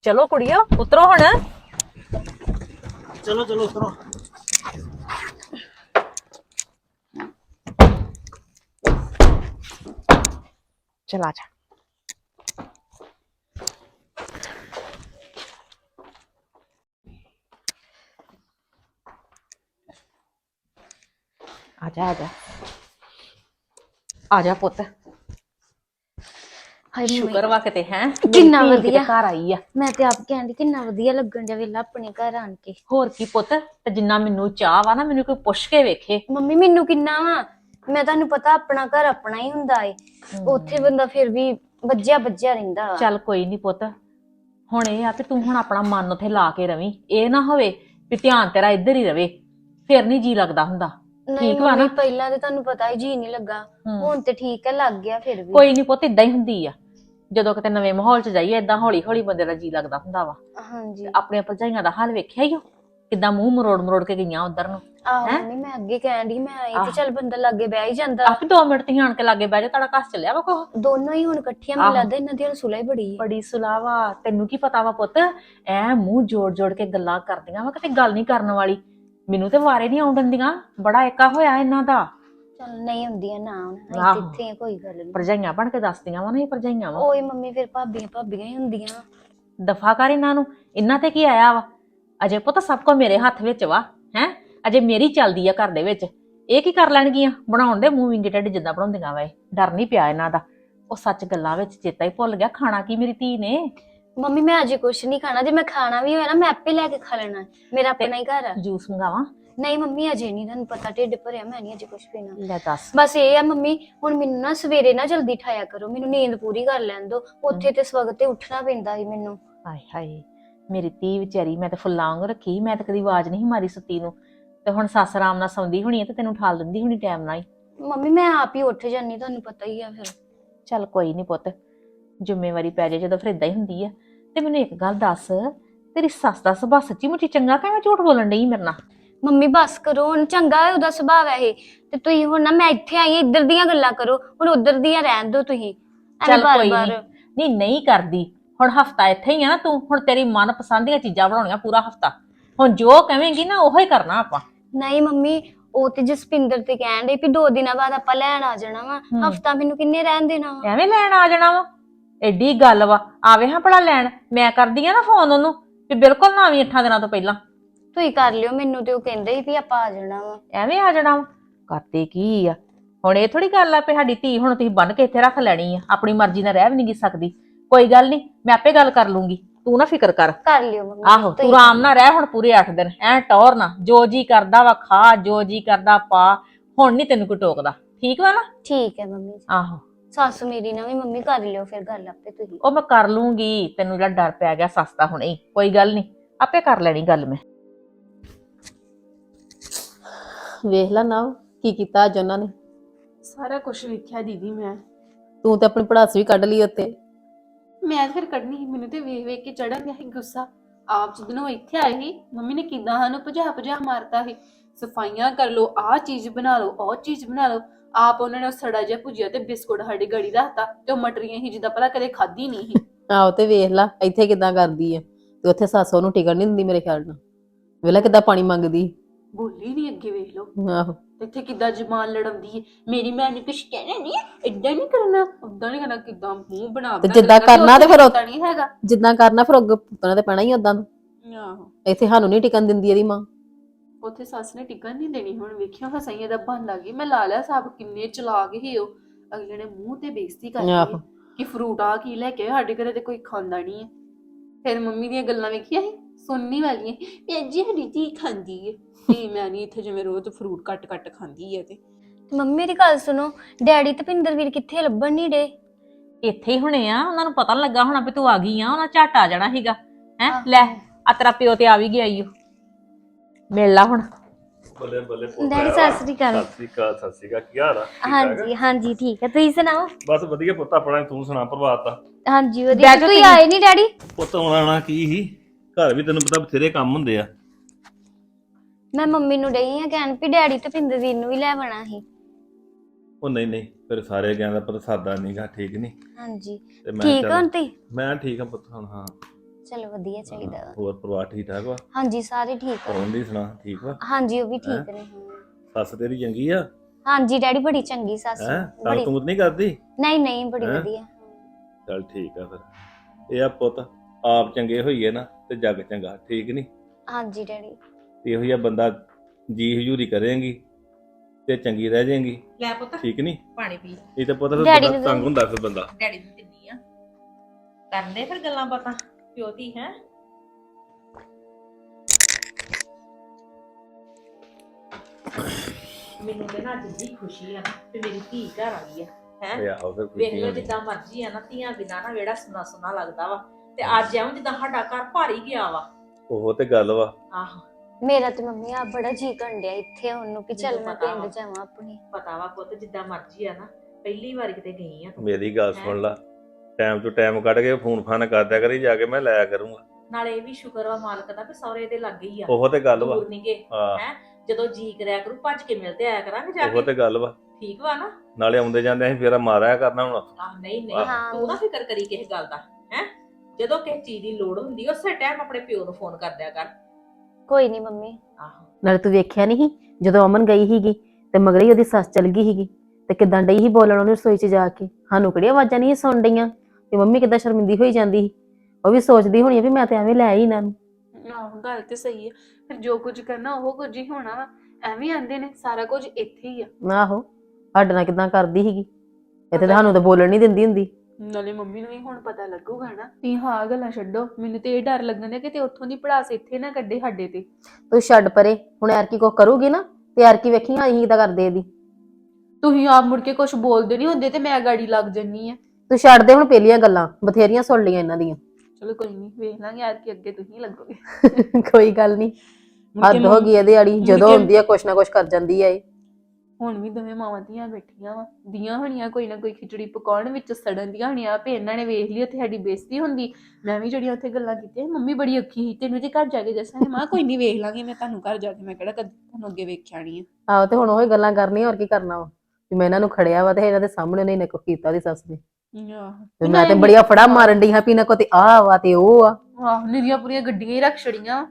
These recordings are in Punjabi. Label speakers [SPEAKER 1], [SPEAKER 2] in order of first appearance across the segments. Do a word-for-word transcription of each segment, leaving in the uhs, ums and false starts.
[SPEAKER 1] चलो कुड़ियो उतरो हुण।
[SPEAKER 2] चलो चलो उतरो।
[SPEAKER 1] चल आजा। आजा आजा आजा पुत।
[SPEAKER 3] हाय
[SPEAKER 1] शुक्र वा किते हैं
[SPEAKER 3] किन्ना
[SPEAKER 1] मेरी
[SPEAKER 3] वधिया
[SPEAKER 1] घर आई आ।
[SPEAKER 3] मैं ते आप कहंदी किन्ना वधिया लगन जा वेला अपने घर आन के।
[SPEAKER 1] होर की पुत ते जिन्ना मैनू चाह वा ना मैनू कोई पुछ के वेखे।
[SPEAKER 3] मम्मी मैनू किन्ना वा मैं तुहानू पता अपना घर अपना ही हुंदा है उत्थे बंदा फिर भी बज्जिया बज्जिया रहिंदा वा।
[SPEAKER 1] चल कोई नहीं पुत हुण इह आ कि तू हुण अपना मन उत्थे ला के रवी ਇਹ ना होवे भी ध्यान तेरा इधर ही रवे फिर नहीं जी लगदा हुंदा।
[SPEAKER 3] नहीं
[SPEAKER 1] ठीक वा
[SPEAKER 3] मम्मी
[SPEAKER 1] ना
[SPEAKER 3] पहला ते तुहानू पता ही जी नहीं लगा हुण ते ठीक है लग गया फिर भी।
[SPEAKER 1] कोई नहीं पुत इदां ही हुंदी आ ਜਦੋਂ ਕਿਤੇ ਨਵੇਂ ਮਾਹੌਲ 'ਚ ਜਾਈਏ ਇਦਾਂ ਹੌਲੀ ਹੌਲੀ ਬੰਦੇ ਦਾ ਜੀ ਲੱਗਦਾ ਹੁੰਦਾ ਵਾ।
[SPEAKER 3] ਹਾਂਜੀ
[SPEAKER 1] ਆਪਣੀਆਂ ਭਰਜਾਈਆਂ ਦਾ ਹਾਲ ਵੇਖਿਆ ਹੀ ਹੋ ਕਿੱਦਾਂ ਮੂੰਹ ਮਰੋੜ ਮਰੋੜ ਕੇ ਗਈਆਂ ਉਧਰ ਨੂੰ।
[SPEAKER 3] ਆਹੋ ਮੰਮੀ ਮੈਂ ਅੱਗੇ ਕਹਿਣ ਡਈ ਮੈਂ ਆਈ ਤੇ ਚੱਲ ਬੰਦਾ ਲਾਗੇ ਬਹਿ ਹੀ ਜਾਂਦਾ।
[SPEAKER 1] ਆਪੇ ਦੋ ਮਿੰਟ ਤੀ ਆਣ ਕੇ ਲਾਗੇ ਬਹਿ ਜਾ ਤੁਹਾਡਾ ਘਸ ਚੱਲਿਆ ਵਾ ਕੋਹ।
[SPEAKER 3] ਦੋਨੋਂ ਹੀ ਹੁਣ ਇਕੱਠੀਆਂ ਮੈਨੂੰ ਲੱਗਦਾ ਇਹਨਾਂ ਦੀ ਸੁਲਾਹ ਹੀ ਬੜੀ ਹੈ।
[SPEAKER 1] ਬੜੀ ਸੁਲਾਹ ਵਾ ਤੈਨੂੰ ਕੀ ਪਤਾ ਵਾ ਪੁੱਤ ਐ ਮੂੰਹ ਜੋੜ ਜੋੜ ਕੇ ਗੱਲਾਂ ਕਰਦੀਆਂ ਵਾ ਕਿਤੇ ਗੱਲ ਨਹੀਂ ਕਰਨ ਵਾਲੀ ਮੈਨੂੰ ਤੇ ਵਾਰੇ ਨਹੀਂ ਆਉਣ ਦਿੰਦੀਆਂ ਬੜਾ ਏਕਾ ਹੋਇਆ ਇਹਨਾਂ ਦਾ।
[SPEAKER 3] ਚੱਲ ਨਹੀਂ ਹੁੰਦੀਆਂ ਨਾ ਹੁਣ
[SPEAKER 1] ਆਹੋ।
[SPEAKER 3] ਇੱਥੇ ਕੋਈ ਗੱਲ ਨਹੀਂ
[SPEAKER 1] ਭਰਜਾਈਆਂ ਬਣ ਕੇ ਦੱਸਦੀਆਂ ਵਾ ਨਹੀਂ ਭਰਜਾਈਆਂ ਵਾ
[SPEAKER 3] ਓਏ ਮੰਮੀ ਫਿਰ ਭਾਬੀਆਂ ਭਾਬੀਆਂ ਹੀ ਹੁੰਦੀਆਂ।
[SPEAKER 1] ਦਫਾ ਕਰ ਇਹਨਾਂ ਨੂੰ ਇਹਨਾਂ ਤੇ ਕੀ ਆਇਆ ਵਾ ਅਜੇ ਪੁੱਤ ਸਭ ਕੁਝ ਮੇਰੇ ਹੱਥ ਵਿੱਚ ਵਾ ਹੈ ਅਜੇ ਮੇਰੀ ਚੱਲਦੀ ਆ ਘਰ ਦੇ ਵਿੱਚ ਇਹ ਕੀ ਕਰ ਲੈਣਗੀਆਂ ਬਣਾਉਣ ਦੇ ਮੂੰਹ ਵਿੰਗੇ ਟੱਡ ਜਿੱਦਾਂ ਬਣਾਉਂਦੀਆਂ ਵਾ ਇਹ ਡਰ ਨਹੀਂ ਪਿਆ ਇਹਨਾਂ ਦਾ। ਉਹ ਸੱਚ ਗੱਲਾਂ ਵਿੱਚ ਚੇਤਾ ਹੀ ਭੁੱਲ ਗਿਆ ਖਾਣਾ ਕੀ ਮੇਰੀ ਧੀ ਨੇ।
[SPEAKER 3] ਮੰਮੀ ਮੈਂ ਅਜੇ ਕੁਛ ਨਹੀਂ ਖਾਣਾ ਜੇ ਮੈਂ ਖਾਣਾ ਵੀ ਹੋਇਆ ਨਾ ਮੈਂ ਆਪੇ ਲੈ ਕੇ ਖਾ ਲੈਣਾ ਮੇਰਾ ਆਪਣਾ ਹੀ ਘਰ ਆ।
[SPEAKER 1] ਜੂਸ ਮੰਗਾਵਾਂ?
[SPEAKER 3] ਨਹੀਂ ਮੰਮੀ ਅਜੇ ਨਹੀਂ ਤੁਹਾਨੂੰ ਪਤਾ ਢਿੱਡ ਭਰਿਆ ਮੈਂ ਨਹੀਂ ਅਜੇ ਕੁਛ ਪੀਣਾ।
[SPEAKER 1] ਲੈ ਦੱਸ
[SPEAKER 3] ਬਸ ਇਹ ਆ ਮੰਮੀ ਹੁਣ ਮੈਨੂੰ ਨਾ ਸਵੇਰੇ ਨਾ ਜਲਦੀ ਠਾਇਆ ਕਰੋ ਮੈਨੂੰ ਨੀਂਦ ਪੂਰੀ ਕਰ ਲੈਣ ਦਿਓ ਉੱਥੇ ਤੇ ਸਵਗਤ ਤੇ ਉੱਠਣਾ ਪੈਂਦਾ ਸੀ ਮੈਨੂੰ।
[SPEAKER 1] ਹਾਏ ਹਾਏ ਮੇਰੀ ਧੀ ਵਿਚਾਰੀ ਮੈਂ ਤੇ ਫੁੱਲਾਂ ਵਾਂਗ ਰੱਖੀ ਮੈਂ ਤੇ ਕਦੀ ਆਵਾਜ਼ ਨਹੀਂ ਮਾਰੀ ਸੁੱਤੀ ਨੂੰ ਤੇ ਹੁਣ ਸੱਸ ਆਰਾਮ ਨਾਲ ਸੌਂਦੀ ਹੋਣੀ ਹੈ ਤੇ ਤੈਨੂੰ ਠਾਲ ਦਿੰਦੀ ਹੋਣੀ ਟਾਈਮ ਨਾਲ ਹੀ।
[SPEAKER 3] ਮੰਮੀ ਮੈਂ ਆਪ ਹੀ ਉੱਠ ਜਾਂਦੀ ਤੁਹਾਨੂੰ ਪਤਾ ਹੀ ਆ ਫਿਰ।
[SPEAKER 1] ਚੱਲ ਕੋਈ ਨਹੀਂ ਪੁੱਤ ਜ਼ਿੰਮੇਵਾਰੀ ਪੈ ਜਾਏ ਜਦੋਂ ਫਿਰ ਏਦਾਂ ਹੀ ਹੁੰਦੀ ਆ। ਤੇ ਮੈਨੂੰ ਇੱਕ ਗੱਲ ਦੱਸ ਤੇਰੀ ਸੱਸ ਦਾ ਸੁਭਾਅ ਸੱਚੀ ਮੁੱਚੀ ਚੰਗਾ ਕਿਵੇਂ ਝੂਠ ਬੋਲਣ ਡਈ ਮੇਰੇ ਨਾਲ?
[SPEAKER 3] ਮੰਮੀ ਬਸ ਕਰੋ ਹੁਣ ਚੰਗਾ ਹੈ ਉਹਦਾ ਸੁਭਾਅ ਹੈ ਇਹ ਤੇ ਤੁਸੀਂ ਹੁਣ ਨਾ ਮੈਂ ਇੱਥੇ ਆਈ ਇੱਧਰ ਦੀਆਂ ਗੱਲਾਂ ਕਰੋ ਹੁਣ ਉੱਧਰ ਦੀਆਂ ਰਹਿਣ ਦਿਓ ਤੁਸੀਂ।
[SPEAKER 1] ਚੱਲ ਕੋਈ ਨਹੀਂ ਨਹੀਂ ਨਹੀਂ ਕਰਦੀ ਹੁਣ ਹਫਤਾ ਇੱਥੇ ਹੀ ਆ ਨਾ ਤੂੰ ਹੁਣ ਤੇਰੀ ਮਨਪਸੰਦ ਦੀਆਂ ਚੀਜ਼ਾਂ ਬਣਾਉਣੀਆਂ ਪੂਰਾ ਹਫਤਾ ਹੁਣ ਜੋ ਕਹੇਂਗੀ ਨਾ ਉਹੋ ਹੀ ਕਰਨਾ ਆਪਾਂ।
[SPEAKER 3] ਨਹੀਂ ਮੰਮੀ ਉਹ ਤੇ ਜਸਪਿੰਦਰ ਤੇ ਕਹਿਣ ਡਈ ਵੀ ਦੋ ਦਿਨਾਂ ਬਾਅਦ ਆਪਾਂ ਲੈਣ ਆ ਜਾਣਾ ਵਾ ਹਫਤਾ ਮੈਨੂੰ ਕਿੰਨੇ ਰਹਿਣ ਦੇਣਾ ਵਾ।
[SPEAKER 1] ਐਵੇਂ ਲੈਣ ਆ ਜਾਣਾ ਵਾ ਐਡੀ ਗੱਲ ਵਾ ਆਵੇ ਹਾਂ ਭਲਾ ਲੈਣ ਮੈਂ ਕਰਦੀ ਆ ਨਾ ਫੋਨ ਉਹਨੂੰ ਵੀ ਬਿਲਕੁਲ ਨਾ ਆਵੀਂ ਅੱਠਾਂ ਦਿਨਾਂ ਤੋਂ ਪਹਿਲਾਂ।
[SPEAKER 3] ਤੁਸੀਂ ਕਰ ਲਿਓ ਮੈਨੂੰ ਤੇ ਉਹ ਕਹਿੰਦੇ ਸੀ ਵੀ ਆਪਾਂ ਆ ਜਾਣਾ ਵਾ।
[SPEAKER 1] ਐਵੇਂ ਆ ਜਾਣਾ ਵਾ ਕਰਦੇ ਕੀ ਆ ਹੁਣ ਇਹ ਥੋੜੀ ਗੱਲ ਆ ਵੀ ਸਾਡੀ ਧੀ ਹੁਣ ਤੁਸੀਂ ਬੰਨ ਕੇ ਇੱਥੇ ਰੱਖ ਲੈਣੀ ਆ ਆਪਣੀ ਮਰਜ਼ੀ ਨਾਲ ਰਹਿ ਵੀ ਨਹੀਂ ਸਕਦੀ। ਕੋਈ ਗੱਲ ਨਹੀਂ ਮੈਂ ਆਪੇ ਗੱਲ ਕਰ ਲੂੰਗੀ ਤੂੰ ਨਾ ਫਿਕਰ ਕਰ।
[SPEAKER 3] ਕਰ ਲਿਓ ਮੰਮੀ
[SPEAKER 1] ਆਹੋ ਤੂੰ ਆਰਾਮ ਨਾਲ ਰਹਿ ਹੁਣ ਪੂਰੇ ਅੱਠ ਦਿਨ ਐ ਟੌਰ ਨਾ ਜੋ ਜੀ ਕਰਦਾ ਵਾ ਖਾ ਜੋ ਜੀ ਕਰਦਾ ਪਾ ਹੁਣ ਨਹੀਂ ਤੈਨੂੰ ਕੋਈ ਟੋਕਦਾ ਠੀਕ ਵਾ ਨਾ?
[SPEAKER 3] ਠੀਕ ਹੈ ਮੰਮੀ।
[SPEAKER 1] ਆਹੋ
[SPEAKER 3] ਸੱਸ ਮੇਰੀ ਨਾਲ ਵੀ ਮੰਮੀ ਕਰ ਲਿਓ ਫਿਰ ਗੱਲ ਆਪੇ ਤੁਸੀਂ।
[SPEAKER 1] ਉਹ ਮੈਂ ਕਰ ਲੂੰਗੀ ਤੈਨੂੰ ਜਿਹੜਾ ਡਰ ਪੈ ਗਿਆ ਸੱਸ ਦਾ ਹੁਣੇ ਕੋਈ ਗੱਲ ਨਹੀਂ ਆਪੇ ਕਰ ਲੈਣੀ ਗੱਲ ਮੈਂ।
[SPEAKER 4] ਵੇਖ ਲਾ ਨਾ ਕੀ ਕੀਤਾ ਅੱਜ ਉਹਨਾਂ ਨੇ।
[SPEAKER 5] ਸਾਰਾ ਕੁਝ ਵੇਖਿਆ ਦੀਦੀ ਮੈਂ
[SPEAKER 4] ਤੂੰ ਤੇ ਆਪਣੀ ਪੜਾਸ ਵੀ ਕੱਢ ਲਈ ਉੱਤੇ।
[SPEAKER 5] ਮੈਂ ਫਿਰ ਕੱਢਣੀ ਸੀ ਮੈਨੂੰ ਤੇ ਵੇਖ ਵੇਖ ਕੇ ਚੜਨ ਗਿਆ ਸੀ ਗੁੱਸਾ। ਆਪ ਜਦੋਂ ਇੱਥੇ ਆਏ ਸੀ ਮੰਮੀ ਨੇ ਕਿਦਾਂ ਸਾਨੂੰ ਭਜਾ ਭਜਾ ਮਾਰਤਾ ਸੀ ਸਫਾਈਆਂ ਕਰ ਲੋ ਆਹ ਚੀਜ਼ ਬਣਾ ਲਓ ਉਹ ਚੀਜ਼ ਬਣਾ ਲਓ ਆਪ ਉਹਨਾਂ ਨੇ ਸੜਾ ਜਿਹਾ ਭੁਜਿਆ ਤੇ ਬਿਸਕੁਟ ਸਾਡੀ ਗੜੀ ਰੱਖਤਾ ਤੇ ਉਹ ਮਟਰੀਆਂ ਸੀ ਜਿੱਦਾਂ ਪਹਿਲਾਂ ਕਦੇ ਖਾਧੀ ਨਹੀਂ ਸੀ।
[SPEAKER 4] ਆਹੋ ਤੇ ਵੇਖ ਲਾ ਇੱਥੇ ਕਿਦਾਂ ਕਰਦੀ ਆ ਤੇ ਉੱਥੇ ਸੱਸ ਉਹਨੂੰ ਟਿਕਣ ਨਹੀਂ ਦਿੰਦੀ ਮੇਰੇ ਖਿਆਲ ਨਾਲ। ਵੇਲਾ ਕਿਦਾਂ ਪਾਣੀ ਮੰਗਦੀ
[SPEAKER 5] ਬੋਲੀ ਨਹੀਂ ਅੱਗੇ ਵੇਖ ਲਓ
[SPEAKER 4] ਆਹੋ
[SPEAKER 5] ਤੇ ਇੱਥੇ ਕਿਦਾਂ ਜ਼ਬਾਨ ਲੜਾਉਂਦੀ ਹੈ ਮੇਰੀ ਮੈਂ ਨੇ ਕੁਝ ਕਹਿਣਾ ਨਹੀਂ ਏਦਾਂ ਨਹੀਂ ਕਰਨਾ ਉਦਾਂ ਨਹੀਂ ਕਰਨਾ ਕਿਦਾਂ ਮੂੰਹ ਬਣਾ
[SPEAKER 4] ਤੇ ਜਿੱਦਾਂ ਕਰਨਾ ਤੇ ਫਿਰ
[SPEAKER 5] ਪਤਾ ਨਹੀਂ ਹੈਗਾ
[SPEAKER 4] ਜਿੱਦਾਂ ਕਰਨਾ ਫਿਰ ਅੱਗੇ ਪੁੱਤਣਾ ਤੇ ਪੈਣਾ ਹੀ ਉਦਾਂ।
[SPEAKER 5] ਆਹੋ
[SPEAKER 4] ਇੱਥੇ ਸਾਨੂੰ ਨਹੀਂ ਟਿਕਣ ਦਿੰਦੀ ਇਹਦੀ ਮਾਂ।
[SPEAKER 5] ਉੱਥੇ ਸੱਸ ਨੇ ਟਿਕਣ ਨਹੀਂ ਦੇਣੀ ਹੁਣ ਵੇਖਿਓ ਹਸਾਈਆਂ ਦਾ ਬਣ ਲੱਗੀ ਮੈਂ ਲਾ ਲਿਆ ਸਭ ਕਿੰਨੇ ਚਲਾਕ ਹੀ ਉਹ ਅਗਲੇ ਨੇ ਮੂੰਹ ਤੇ ਬੇਇੱਜ਼ਤੀ ਕਰਦੀ ਹੈ ਕਿ ਫਰੂਟ ਆ ਕੀ ਲੈ ਕੇ ਸਾਡੇ ਘਰੇ ਤੇ ਕੋਈ ਖਾਂਦਾ ਨਹੀਂ ਹੈ। ਫਿਰ ਮੰਮੀ ਦੀਆਂ ਗੱਲਾਂ ਵੇਖੀਆਂ ਸੀ ਸੁਣਨੀ ਵਾਲੀਆਂ ਭੈਣ ਜੀ ਸਾਡੀ ਧੀ ਖਾਂਦੀ ਹੈ ਤੇ ਮੈਂ ਨਹੀਂ ਇੱਥੇ ਜਿਵੇਂ ਰੋਜ਼ ਫਰੂਟ ਕੱਟ ਕੱਟ ਖਾਂਦੀ ਹੈ ਤੇ
[SPEAKER 3] ਮੰਮੀ ਮੇਰੀ ਗੱਲ ਸੁਣੋ ਡੈਡੀ ਤੇ ਭਿੰਦਰ ਵੀਰ ਕਿੱਥੇ ਲੱਭਣ ਨਹੀਂ ਡੇ?
[SPEAKER 1] ਇੱਥੇ ਹੀ ਹੁਣੇ ਆ ਉਹਨਾਂ ਨੂੰ ਪਤਾ ਲੱਗਾ ਹੋਣਾ ਵੀ ਤੂੰ ਆ ਗਈ ਆ ਉਹਨਾਂ ਝਟ ਆ ਜਾਣਾ ਸੀਗਾ ਹੈ ਲੈ ਆ ਤੇਰਾ ਪਿਓ ਤੇ ਆ ਵੀ ਗਿਆ ਈ ਓ ਮਿਲ ਲਾ ਹੁਣ।
[SPEAKER 2] ਬੱਲੇ ਬੱਲੇ
[SPEAKER 3] ਡੈਡੀ ਸਤਿ ਸ੍ਰੀ ਅਕਾਲ।
[SPEAKER 2] ਸਤਿ ਸ੍ਰੀ ਅਕਾਲ ਸਤਿ ਸ੍ਰੀ ਅਕਾਲ ਕੀ ਹਾਲ ਆ?
[SPEAKER 3] ਹਾਂਜੀ ਹਾਂਜੀ ਠੀਕ ਹੈ ਤੁਸੀਂ ਸੁਣਾਓ?
[SPEAKER 2] ਬਸ ਵਧੀਆ ਪੁੱਤ ਆਪਣਾ ਤੂੰ ਸੁਣਾ ਪਰਿਵਾਰ ਦਾ?
[SPEAKER 3] ਹਾਂਜੀ ਵਧੀਆ ਤੁਸੀਂ ਆਏ ਨਹੀਂ ਡੈਡੀ?
[SPEAKER 2] ਪੁੱਤ ਆਉਣਾ ਕੀ ਸੀ ਘਰ ਵੀ ਤੈਨੂੰ ਪਤਾ ਬਥੇਰੇ ਕੰਮ ਹੁੰਦੇ ਆ।
[SPEAKER 3] ਮੈਂ ਮੰਮੀ ਨੂੰ ਡਈ ਆ ਕਹਿਣ ਵੀ ਡੈਡੀ ਤੇ ਭਿੰਦਰ ਵੀਰ ਨੂੰ ਵੀ ਲੈ ਆਉਣਾ ਸੀ।
[SPEAKER 2] ਉਹ ਨਹੀਂ ਨਹੀਂ ਫਿਰ ਸਾਰੇ ਗਿਆ ਦਾ ਪਤਾ ਸਾਦਾ ਨਹੀਂਗਾ ਠੀਕ ਨਹੀਂ।
[SPEAKER 3] ਹਾਂਜੀ
[SPEAKER 2] ਤੇ ਮੈਂ
[SPEAKER 3] ਠੀਕ ਹਾਂ ਤੁਸੀਂ?
[SPEAKER 2] ਮੈਂ ਠੀਕ ਹਾਂ ਪੁੱਤ ਹੁਣ ਹਾਂ
[SPEAKER 3] ਚਲੋ ਵਧੀਆ ਚਾਹੀਦਾ ਵਾ।
[SPEAKER 2] ਹੋਰ ਪਰਿਵਾਰ ਠੀਕ ਠਾਕ ਵਾ?
[SPEAKER 3] ਹਾਂਜੀ ਸਾਰੇ ਠੀਕ ਆ।
[SPEAKER 2] ਪਰੋਂ ਦੀ ਸੁਣਾ, ਠੀਕ ਵਾ?
[SPEAKER 3] ਹਾਂਜੀ ਉਹ ਵੀ ਠੀਕ ਨੇ।
[SPEAKER 2] ਸੱਸ ਤੇਰੀ ਚੰਗੀ ਆ?
[SPEAKER 3] ਹਾਂਜੀ ਡੈਡੀ ਬੜੀ ਚੰਗੀ ਸੱਸ
[SPEAKER 2] ਹੈ
[SPEAKER 3] ਨੂੰ,
[SPEAKER 2] ਤੰਗ
[SPEAKER 3] ਬੜੀ
[SPEAKER 2] ਤੁੰਗ ਨਹੀਂ ਕਰਦੀ?
[SPEAKER 3] ਨਹੀਂ ਨਹੀਂ ਬੜੀ
[SPEAKER 2] ਹੈਂ?
[SPEAKER 3] ਵਧੀਆ।
[SPEAKER 2] ਚੱਲ ਠੀਕ ਆ ਫਿਰ। ਇਹ ਆ ਪੁੱਤ, ਆਪ ਚੰਗੇ ਹੋਈਏ ਨਾ ਤੇ ਜੱਗ ਚੰਗਾ, ਠੀਕ ਨਹੀਂ?
[SPEAKER 3] ਹਾਂਜੀ ਡੈਡੀ।
[SPEAKER 2] ਇਹੋ ਜਿਹਾ ਬੰਦਾ ਜੀ ਹਜ਼ੂਰੀ ਕਰੇਂਗੀ ਤੇ ਚੰਗੀ ਰਹਿ ਜਾਏਗੀ,
[SPEAKER 1] ਲੈ ਪੁੱਤ
[SPEAKER 2] ਠੀਕ ਨਹੀਂ?
[SPEAKER 1] ਪਾਣੀ ਪੀ।
[SPEAKER 2] ਇਹ ਤਾਂ ਪੁੱਤ ਫਿਰ
[SPEAKER 3] ਡੈਡੀ
[SPEAKER 2] ਬੰਦਾ
[SPEAKER 3] ਨੂੰ
[SPEAKER 2] ਤੰਗ ਹੁੰਦਾ ਫਿਰ ਬੰਦਾ।
[SPEAKER 1] ਡੈਡੀ ਨੂੰ ਦਿੰਦੀ ਆ, ਕਰਦੇ ਫਿਰ ਗੱਲਾਂ ਬਾਤਾਂ ਪਿਓ ਦੀ ਹੈ। ਮੈਨੂੰ ਤੇ ਨਾ ਅੱਜ ਦੀ ਖੁਸ਼ੀ ਆ ਨਾ ਤੇ ਮੇਰੀ ਧੀ ਘਰ ਆ ਗਈ ਆ ਹੈ।
[SPEAKER 2] ਇਹ ਆਹੋ ਫਿਰ
[SPEAKER 1] ਵੇਖ
[SPEAKER 2] ਖੁਸ਼ੀ
[SPEAKER 1] ਲਓ
[SPEAKER 2] ਹੋਣੀ।
[SPEAKER 1] ਜਿੱਦਾਂ ਮਰਜ਼ੀ ਆ ਨਾ, ਧੀਆਂ ਬਿਨਾਂ ਨਾ ਵਿਹੜਾ ਸੁਣਾ ਸੁਣਾ ਲੱਗਦਾ ਵਾ, ਤੇ ਅੱਜ ਐਵੇਂ ਜਿੱਦਾਂ ਸਾਡਾ ਘਰ ਭਾਰੀ ਗਿਆ ਵਾ।
[SPEAKER 2] ਉਹ ਤੇ ਗੱਲ ਵਾ।
[SPEAKER 1] ਆਹੋ
[SPEAKER 3] ਮੇਰਾ ਤੇ ਮੰਮੀ ਆ ਬੜਾ ਜੀ ਕੰਡਿਆ ਇੱਥੇ ਆਉਣ ਨੂੰ ਕਿ ਚੱਲ
[SPEAKER 1] ਮੈਨੂੰ
[SPEAKER 3] ਮੈਂ
[SPEAKER 1] ਪਤਾ
[SPEAKER 3] ਪਿੰਡ
[SPEAKER 1] ਵਾ।
[SPEAKER 3] ਜਾਵਾਂ ਆਪਣੀ।
[SPEAKER 1] ਪਤਾ ਵਾ ਪੁੱਤ, ਜਿੱਦਾਂ ਮਰਜ਼ੀ ਆ ਨਾ, ਪਹਿਲੀ ਵਾਰ ਕਿਤੇ ਗਈ ਆ ਤੂੰ।
[SPEAKER 2] ਮੇਰੀ ਗੱਲ ਸੁਣ ਲਾ, ਟਾਈਮ ਤੋਂ ਟਾਈਮ ਕੱਢ ਕੇ ਫੋਨ ਫਾਨ ਕਰਦਿਆ ਕਰੀ, ਜਾ ਕੇ ਮੈਂ ਲਾਇਆ ਕਰੂੰਗਾ।
[SPEAKER 1] ਨਾਲੇ ਇਹ ਵੀ ਸ਼ੁਕਰ ਵਾ ਮਾਲਕ ਦਾ ਵੀ ਸਹੁਰੇ ਦੇ ਲੱਗ ਹੀ ਆ,
[SPEAKER 2] ਉਹ ਤੇ ਗੱਲ ਵਾ।
[SPEAKER 1] ਦੂਰ ਨੀ ਗੇ
[SPEAKER 2] ਹਾਂ
[SPEAKER 1] ਹੈ। ਜਦੋਂ ਜੀ ਕਰਿਆ ਕਰੂ ਭੱਜ ਕੇ ਮਿਲਦੇ ਆਇਆ ਕਰਾਂਗੇ ਜਾ
[SPEAKER 2] ਉਹ
[SPEAKER 1] ਕੇ,
[SPEAKER 2] ਤੇ ਗੱਲ ਵਾ।
[SPEAKER 1] ਠੀਕ ਵਾ ਨਾ?
[SPEAKER 2] ਨਾਲੇ ਆਉਂਦੇ ਜਾਂਦੇ ਅਸੀਂ ਫੇਰਾ ਮਾਰਿਆ ਕਰਨਾ ਹੁਣ।
[SPEAKER 1] ਆਹ ਨਹੀਂ ਨਹੀਂ,
[SPEAKER 3] ਹਾਂ।
[SPEAKER 1] ਤੂੰ ਨਾ ਫਿਕਰ ਕਰੀ ਕਿਸੇ ਗੱਲ ਦਾ ਹੈ। ਜਦੋਂ ਕਿਸੇ ਚੀਜ਼ ਦੀ ਲੋੜ ਹੁੰਦੀ ਉਸੇ ਟਾਈਮ ਆਪਣੇ ਪਿਓ ਨੂੰ ਫੋਨ ਕਰ ਦਿਆ ਕਰ।
[SPEAKER 3] ਕੋਈ ਨਹੀਂ ਮੰਮੀ।
[SPEAKER 1] ਆਹੋ
[SPEAKER 4] ਨਾਲੇ ਤੂੰ ਵੇਖਿਆ ਨਹੀਂ ਜਦੋਂ ਅਮਨ ਗਈ ਸੀਗੀ ਤੇ ਮਗਰ ਹੀ ਉਹਦੀ ਸੱਸ ਚਲ ਗਈ ਸੀਗੀ ਤੇ ਕਿਦਾਂ ਡਈ ਸੀ ਬੋਲਣ ਉਹਨੇ ਰਸੋਈ 'ਚ ਜਾ ਕੇ। ਸਾਨੂੰ ਕਿਹੜੀਆਂ ਆਵਾਜ਼ਾਂ ਨਹੀਂ ਸੁਣ ਡਈਆਂ ਤੇ ਮੰਮੀ ਕਿਦਾਂ ਸ਼ਰਮਿੰਦੀ ਹੋਈ ਜਾਂਦੀ ਸੀ। ਉਹ ਵੀ ਸੋਚਦੀ ਹੋਣੀ ਆ ਵੀ ਮੈਂ ਤੇ ਐਵੇਂ ਲੈ ਆਈ ਇਹਨਾਂ ਨੂੰ।
[SPEAKER 5] ਆਹੋ ਗੱਲ ਤੇ ਸਹੀ ਹੈ। ਫਿਰ ਜੋ ਕੁਝ ਕਰਨਾ ਉਹ ਕੁਝ ਹੀ ਹੋਣਾ ਵਾ। ਐਵੇਂ ਆਂਦੇ ਨੇ ਸਾਰਾ ਕੁਝ ਇੱਥੇ ਹੀ ਆ।
[SPEAKER 4] ਆਹੋ ਸਾਡੇ ਨਾਲ ਕਿਦਾਂ ਕਰਦੀ ਸੀਗੀ, ਇੱਥੇ ਤਾਂ ਸਾਨੂੰ ਤਾਂ ਬੋਲਣ ਨਹੀਂ ਦਿੰਦੀ ਹੁੰਦੀ।
[SPEAKER 5] ਨਾਲੇ ਮੰਮੀ ਨੂੰ ਵੀ ਹੁਣ ਪਤਾ ਲੱਗੂਗਾ ਨਾ। ਤੁਸੀਂ ਹਾਂ ਗੱਲਾਂ ਛੱਡੋ, ਮੈਨੂੰ ਤੇ ਇਹ ਡਰ ਲੱਗਣ ਡਿਆ ਕਿਤੇ ਉੱਥੋਂ ਦੀ ਪੜਾਸ ਇੱਥੇ ਨਾ ਕੱਢੇ ਸਾਡੇ ਤੇ।
[SPEAKER 4] ਤੂੰ ਛੱਡ ਪਰੇ, ਹੁਣ ਐਰਕੀ ਕੋ ਕਰੂਗੀ ਨਾ ਤੇ ਐਰਕੀ ਵੇਖੀ ਹਾਂ ਅਸੀਂ ਕਿਦਾਂ ਕਰਦੇ ਇਹਦੀ।
[SPEAKER 5] ਤੁਸੀਂ ਆਪ ਮੁੜ ਕੇ ਕੁਝ ਬੋਲਦੇ ਨਹੀਂ ਹੁੰਦੇ ਤੇ ਮੈਂ ਗਾੜੀ ਲੱਗ ਜੰਨੀ ਆ।
[SPEAKER 4] ਤੂੰ ਛੱਡ ਦੇ ਹੁਣ ਪਹਿਲੀਆਂ ਗੱਲਾਂ, ਬਥੇਰੀਆਂ ਸੁਣ ਲਈਆਂ ਇਹਨਾਂ ਦੀਆਂ।
[SPEAKER 5] ਚਲੋ ਕੋਈ ਨਹੀਂ, ਵੇਖ ਲਾਂਗੇ ਯਾਰ ਕਿ ਅੱਗੇ ਤੁਸੀਂ ਲੱਗੋਗੇ।
[SPEAKER 4] ਕੋਈ ਗੱਲ ਨਹੀਂ, ਹੱਦ ਹੋ ਗਈ ਇਹਦੇ ਵਾਲੀ। ਜਦੋਂ ਹੁੰਦੀ ਆ ਕੁਛ ਨਾ ਕੁਛ ਕਰ ਜਾਂਦੀ ਆ ਇਹ।
[SPEAKER 5] ਹੁਣ ਵੀ ਦੋਵੇਂ ਮਾਵਾਂ ਧੀਆਂ ਬੈਠੀਆਂ ਵਾ, ਦੀਆਂ ਹੋਣੀਆਂ ਕੋਈ ਨਾ ਕੋਈ ਖਿਚੜੀ ਪਕਾਉਣ ਵਿੱਚ ਸੜਨ ਦੀਆਂ ਹੋਣੀਆਂ ਵੀ ਇਹਨਾਂ ਨੇ ਵੇਖ ਲਈ ਉੱਥੇ ਸਾਡੀ ਬੇਇੱਜ਼ਤੀ ਹੁੰਦੀ। ਮੈਂ ਵੀ ਜਿਹੜੀਆਂ ਉੱਥੇ ਗੱਲਾਂ ਕੀਤੀਆਂ, ਮੰਮੀ ਬੜੀ ਔਖੀ ਸੀ, ਤੈਨੂੰ ਜੇ ਘਰ ਜਾ ਕੇ ਦੱਸਾਂਗੇ। ਮਾਂ ਕੋਈ ਨਹੀਂ, ਵੇਖ ਲਾਂਗੇ, ਮੈਂ ਤੁਹਾਨੂੰ ਘਰ ਜਾ ਕੇ, ਮੈਂ ਕਿਹੜਾ ਕਦੇ ਤੁਹਾਨੂੰ ਅੱਗੇ ਵੇਖਿਆ ਨਹੀਂ ਆ।
[SPEAKER 4] ਆਹੋ ਤੇ ਹੁਣ ਉਹ ਗੱਲਾਂ ਕਰਨੀਆਂ, ਹੋਰ ਕੀ ਕਰਨਾ ਵਾ ਵੀ ਮੈਂ ਇਹਨਾਂ ਨੂੰ ਖੜਿਆ ਵਾ ਤੇ ਇਹਨਾਂ ਦੇ ਸਾਹਮਣੇ ਨਹੀਂ ਨੇ ਕੁਛ ਕੀਤਾ ਉਹਦੀ ਸੱਸ ਨੇ। ਤੇ ਮੈਂ ਤੇ ਬੜੀਆਂ ਫੜਾ ਮਾਰਨ ਡਈ ਹਾਂ ਵੀ ਇਹਨਾਂ ਕੋ ਤੇ ਆਹ ਵਾ ਤੇ ਉਹ ਆ।
[SPEAKER 5] ਆਹ ਨਿਰੀਆਂ ਪੂਰੀਆਂ ਗੱਡੀਆਂ ਹੀ ਰੱਖ ਛੜੀਆਂ।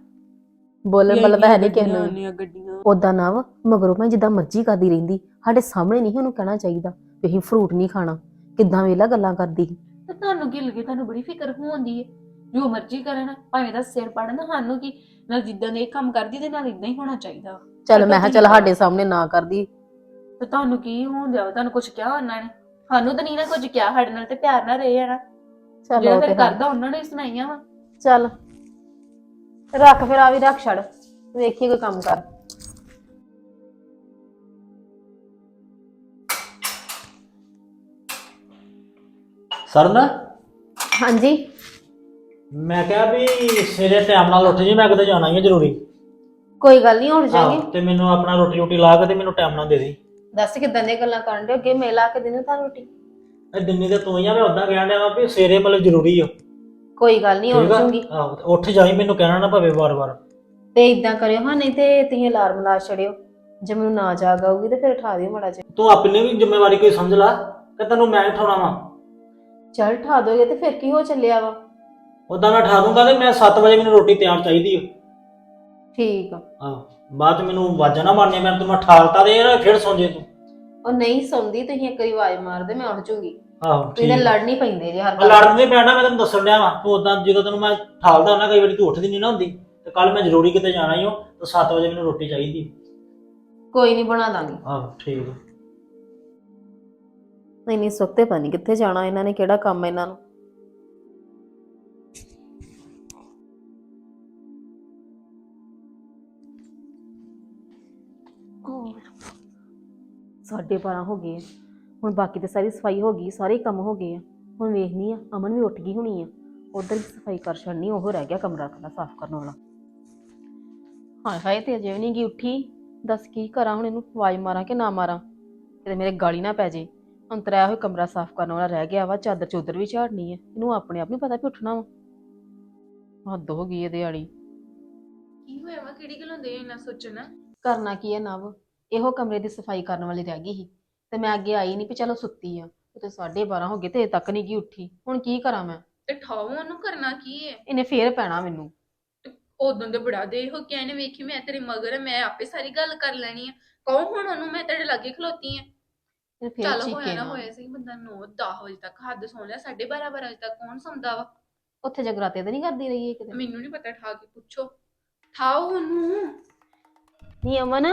[SPEAKER 4] ਬੋਲਣ ਵਾਲਾ ਤਾਂ ਹੈ ਨਹੀਂ ਕਿਸੇ ਨੂੰ।
[SPEAKER 5] ਇੰਨੀਆਂ ਗੱਡੀਆਂ
[SPEAKER 4] ਉਦਾਂ ਨਾ ਵਾ ਮਗਰੋਂ ਮੈਂ ਜਿੱਦਾਂ ਮਰਜ਼ੀ ਕਰਦੀ ਰਹਿੰਦੀ, ਸਾਡੇ ਸਾਹਮਣੇ ਨਹੀਂ ਉਹਨੂੰ ਕਹਿਣਾ ਚਾਹੀਦਾ ਵੀ ਅਸੀਂ ਫਰੂਟ ਨਹੀਂ ਖਾਣਾ। ਕਿੱਦਾਂ ਵੇਲਾ ਗੱਲਾਂ ਕਰਦੀ ਸੀ।
[SPEAKER 5] ਤੇ ਤੁਹਾਨੂੰ ਕੀ ਲੱਗੇ, ਤੁਹਾਨੂੰ ਬੜੀ ਫਿਕਰ ਹੁੰਦੀ ਹੈ। ਜੋ ਮਰਜ਼ੀ ਕਰਨ, ਭਾਵੇਂ ਦਾ ਸਿਰ ਪੜਨ, ਸਾਨੂੰ ਕੀ। ਨਾਲ ਜਿੱਦਾਂ ਦੇ ਇਹ ਕੰਮ ਕਰਦੀ ਤੇ ਨਾਲ ਇਦਾਂ ਹੀ ਹੋਣਾ ਚਾਹੀਦਾ।
[SPEAKER 4] ਚੱਲ ਮੈਂ ਕਿਹਾ ਚੱਲ ਸਾਡੇ ਸਾਹਮਣੇ ਨਾ ਕਰਦੀ।
[SPEAKER 5] ਤੇ ਤੁਹਾਨੂੰ ਕੀ ਹੋਣ ਦਿਆ, ਤੁਹਾਨੂੰ ਕੁਝ ਕਿਹਾ ਉਹਨਾਂ ਨੇ? ਸਾਨੂੰ ਤਾਂ ਨਹੀਂ ਨਾ ਕੁਝ ਕਿਹਾ, ਸਾਡੇ ਨਾਲ ਤੇ ਪਿਆਰ ਨਾਲ ਰਹੇ ਆ ਨਾ।
[SPEAKER 4] ਚੱਲ
[SPEAKER 5] ਜਿਹੜਾ
[SPEAKER 4] ਉਹ ਤੇ
[SPEAKER 5] ਫਿਰ
[SPEAKER 4] ਹੈ।
[SPEAKER 5] ਕਰਦਾ ਉਹਨਾਂ ਨੇ ਹੀ ਸੁਣਾਈਆਂ ਵਾ।
[SPEAKER 4] ਚੱਲ ਰੱਖ ਫਿਰ, ਆ ਵੀ ਰੱਖ ਛੱਡ, ਵੇਖੀ ਕੋਈ ਕੰਮ ਕਰ।
[SPEAKER 6] ਸਰਨ,
[SPEAKER 4] ਹਾਂਜੀ
[SPEAKER 6] ਮੈਂ ਕਿਹਾ ਵੀ ਸਵੇਰੇ ਟਾਈਮ ਨਾਲ ਉੱਠ ਜੀ, ਮੈਂ ਕਿਤੇ ਜਾਣਾ ਹੀ ਹੈ ਜ਼ਰੂਰੀ।
[SPEAKER 4] ਕੋਈ ਗੱਲ ਨਹੀਂ, ਉੱਠ ਜਾਗੇ।
[SPEAKER 6] ਆਹੋ, ਤੇ ਮੈਨੂੰ ਆਪਣਾ ਰੋਟੀ ਰੋਟੀ ਲਾ ਕੇ ਤੇ ਮੈਨੂੰ ਟਾਈਮ ਨਾਲ ਦੇ ਦੇ।
[SPEAKER 4] ਦੱਸ ਕਿਦਾਂ ਦੀਆਂ ਗੱਲਾਂ ਕਰਨ ਦੇ, ਅੱਗੇ ਮੇਲਾ ਕੇ ਦੇਣੀ ਤਾਂ ਰੋਟੀ।
[SPEAKER 6] ਇਹ ਦਿੰਨੀ ਤੇ ਤੂੰ ਹੀ ਆ, ਮੈਂ ਉਦਾਂ ਕਹਿਣ ਡਿਆ ਵਾਂ ਵੀ ਸਵੇਰੇ ਮਤਲਬ ਜ਼ਰੂਰੀ ਆ।
[SPEAKER 4] ਕੋਈ ਗੱਲ ਨਹੀਂ, ਉੱਠ
[SPEAKER 6] ਠੀਕ ਆ?
[SPEAKER 4] ਜੂਗੀ।
[SPEAKER 6] ਆਹੋ, ਤੇ ਉੱਠ ਜਾਈ, ਮੈਨੂੰ ਕਹਿਣਾ ਨਾ ਪਵੇ ਵਾਰ-ਵਾਰ।
[SPEAKER 4] ਤੇ ਇਦਾਂ ਕਰਿਓ ਹਾਂ, ਨਹੀਂ ਤੇ ਤੁਸੀਂ ਅਲਾਰਮ ਲਾ ਛੜਿਓ। ਜੇ ਮੈਨੂੰ ਨਾ ਜਾਗ ਆਊਗੀ ਤੇ ਫਿਰ ਉਠਾ ਦਿਓ ਮਾੜਾ ਜਿਹਾ।
[SPEAKER 6] ਤੂੰ ਆਪਣੀ ਵੀ ਜ਼ਿੰਮੇਵਾਰੀ ਕੋਈ ਸਮਝ ਲਾ ਕਿ ਤੈਨੂੰ ਮੈਂ ਉਠਾਉਣਾ ਵਾ।
[SPEAKER 4] ਚੱਲ ਉਠਾ ਦੋਗੇ ਤੇ ਫਿਰ ਕੀ ਹੋ ਚੱਲਿਆ ਵਾ।
[SPEAKER 6] ਉਦਾਂ ਮੈਂ ਉਠਾ ਦੂੰਗਾ ਤੇ ਮੈਂ ਸੱਤ ਵਜੇ ਮੈਨੂੰ ਰੋਟੀ ਤਿਆਰ ਚਾਹੀਦੀ ਆ।
[SPEAKER 4] ਠੀਕ ਆ।
[SPEAKER 6] ਆਹੋ, ਬਾਅਦ ਚ ਮੈਨੂੰ ਆਵਾਜ਼ਾਂ ਨਾ ਮਾਰਨੀਆਂ, ਮੈਂ ਤੈਨੂੰ ਠਾਲਤਾ ਦੇ ਯਾਰ, ਫਿਰ ਸੌਂ ਜੇ ਤੂੰ।
[SPEAKER 4] ਉਹ ਨਹੀਂ ਸੌਂਦੀ, ਤੁਸੀਂ ਇੱਕ ਵਾਰੀ ਆਵਾਜ਼ ਮਾਰ ਦੇ, ਮੈਂ ਉੱਠ ਜੂਗੀ।
[SPEAKER 6] ਆਹੋ
[SPEAKER 4] ਤੁਸੀਂ ਤਾਂ ਲੜ ਨਹੀਂ ਪੈਂਦੇ ਜੇ ਹਰ
[SPEAKER 6] ਮੈਂ ਲੜਨ ਨਹੀਂ ਪੈਣਾ, ਮੈਂ ਤੈਨੂੰ ਦੱਸਣ ਡਿਆ ਵਾਂ। ਤੂੰ ਉਦਾਂ ਜਦੋਂ ਤੈਨੂੰ ਮੈਂ ਠਾਲਦਾ ਹੁੰਦਾ, ਕਈ ਵਾਰੀ ਤੂੰ ਉੱਠਦੀ ਨਹੀਂ ਨਾ ਹੁੰਦੀ। ਤੇ ਕੱਲ ਮੈਂ ਜ਼ਰੂਰੀ ਕਿਤੇ ਜਾਣਾ ਹੀ ਹੋ, ਤੇ ਸੱਤ ਵਜੇ ਮੈਨੂੰ ਰੋਟੀ ਚਾਹੀਦੀ।
[SPEAKER 4] ਕੋਈ ਨਹੀਂ, ਬਣਾ ਦਾਂਗੀ।
[SPEAKER 6] ਆਹੋ ਠੀਕ ਆ।
[SPEAKER 4] ਨਹੀਂ ਨਹੀਂ, ਸੁੱਤੇ ਪਤਾ ਨਹੀਂ ਕਿੱਥੇ ਜਾਣਾ ਇਹਨਾਂ ਨੇ, ਕਿਹੜਾ ਕੰਮ ਹੈ ਇਹਨਾਂ ਨੂੰ। ਸਾਢੇ ਬਾਰਾਂ ਹੋ ਗਏ ਆ ਹੁਣ, ਬਾਕੀ ਤੇ ਸਾਰੀ ਸਫਾਈ ਹੋ ਗਈ, ਸਾਰੇ ਕੰਮ ਹੋ ਗਏ ਆ। ਹੁਣ ਵੇਖਨੀ ਆ ਅਮਨ ਵੀ ਉੱਠ ਗਈ ਹੋਣੀ ਆ, ਉਧਰ ਵੀ ਸਫਾਈ ਕਰ ਛੱਡਣੀ, ਉਹ ਰਹਿ ਗਿਆ ਕਮਰਾ ਖਲਾ ਸਾਫ਼ ਕਰਨ ਵਾਲਾ। ਹਾਏ ਹਾਏ, ਤੇ ਅਜੇ ਵੀ ਨਹੀਂ ਗਈ ਉੱਠੀ। ਦੱਸ ਕੀ ਕਰਾਂ ਹੁਣ, ਇਹਨੂੰ ਆਵਾਜ਼ ਮਾਰਾਂ ਕਿ ਨਾ ਮਾਰਾਂ, ਕਿਤੇ ਮੇਰੇ ਗਾਲੀ ਨਾ ਪੈ ਜੇ। ਅੰਤਰਾ ਹੋਇਆ ਕਮਰਾ ਸਾਫ਼ ਕਰਨ ਵਾਲਾ ਰਹਿ ਗਿਆ ਵਾ, ਚਾਦਰ ਚੌਧਰ ਵੀ ਝਾੜਨੀ ਹੈ। ਇਹਨੂੰ ਆਪਣੇ ਆਪ ਨਹੀਂ ਪਤਾ ਵੀ ਉੱਠਣਾ ਵਾ। ਹੱਦ ਹੋ ਗਈ ਇਹਦੇ ਵਾਲੀ।
[SPEAKER 5] ਕੀ ਹੋਇਆ ਵਾ, ਕਿਹੜੀ ਗੱਲ ਹੁੰਦੀ ਹੈ ਇੰਨਾ ਸੋਚਣਾ?
[SPEAKER 4] ਕਰਨਾ ਕੀ ਹੈ ਨਵ, ਇਹੋ ਕਮਰੇ ਦੀ ਸਫਾਈ ਕਰਨ ਵਾਲੀ ਰਹਿ ਗਈ ਸੀ ਤੇ ਮੈਂ ਅੱਗੇ ਆਈ ਨਹੀਂ ਵੀ ਚਲੋ ਸੁੱਤੀ ਆ। ਤੇ ਸਾਢੇ ਬਾਰਾਂ ਹੋ ਗਏ ਤੇ ਅਜੇ ਤੱਕ ਨਹੀਂ ਗਈ ਉੱਠੀ। ਹੁਣ ਕੀ ਕਰਾਂ ਮੈਂ?
[SPEAKER 5] ਤੇ ਠਾਓ ਉਹਨੂੰ, ਕਰਨਾ ਕੀ ਹੈ?
[SPEAKER 4] ਇਹਨੇ ਫੇਰ ਪੈਣਾ ਮੈਨੂੰ।
[SPEAKER 5] ਉਦੋਂ ਤੇ ਬੜਾ ਦੇ ਹੋ ਕੇ ਇਹਨੇ ਵੇਖੀ ਮੈਂ ਤੇਰੇ ਮਗਰ, ਮੈਂ ਆਪੇ ਸਾਰੀ ਗੱਲ ਕਰ ਲੈਣੀ ਆ। ਕਹੋ ਹੁਣ ਉਹਨੂੰ ਮੈਂ ਤੇਰੇ ਲਾਗੇ ਖਲੋਤੀ ਆ।
[SPEAKER 4] ਇਹਨੇ ਫੇਰ
[SPEAKER 5] ਚੱਲ ਹੋਇਆ
[SPEAKER 4] ਚੀਕੇ
[SPEAKER 5] ਨਾ
[SPEAKER 4] ਨਾ
[SPEAKER 5] ਹੋਇਆ ਸੀ, ਬੰਦਾ ਨੌ ਦਸ ਵਜੇ ਤੱਕ ਹੱਦ ਸੌਂ ਲਿਆ, ਸਾਢੇ ਬਾਰਾਂ ਬਾਰਾਂ ਵਜੇ ਤੱਕ ਕੌਣ ਸੌਂਦਾ ਵਾ?
[SPEAKER 4] ਉੱਥੇ ਜਗਰਾਤੇ ਤੇ ਨਹੀਂ ਕਰਦੀ ਰਹੀ ਇਹ ਕਿਤੇ?
[SPEAKER 5] ਮੈਨੂੰ ਨਹੀਂ ਪਤਾ, ਠਾ ਕੇ ਪੁੱਛੋ। ਠਾਓ ਉਹਨੂੰ।
[SPEAKER 4] ਨਹੀਂ ਅਮਨ,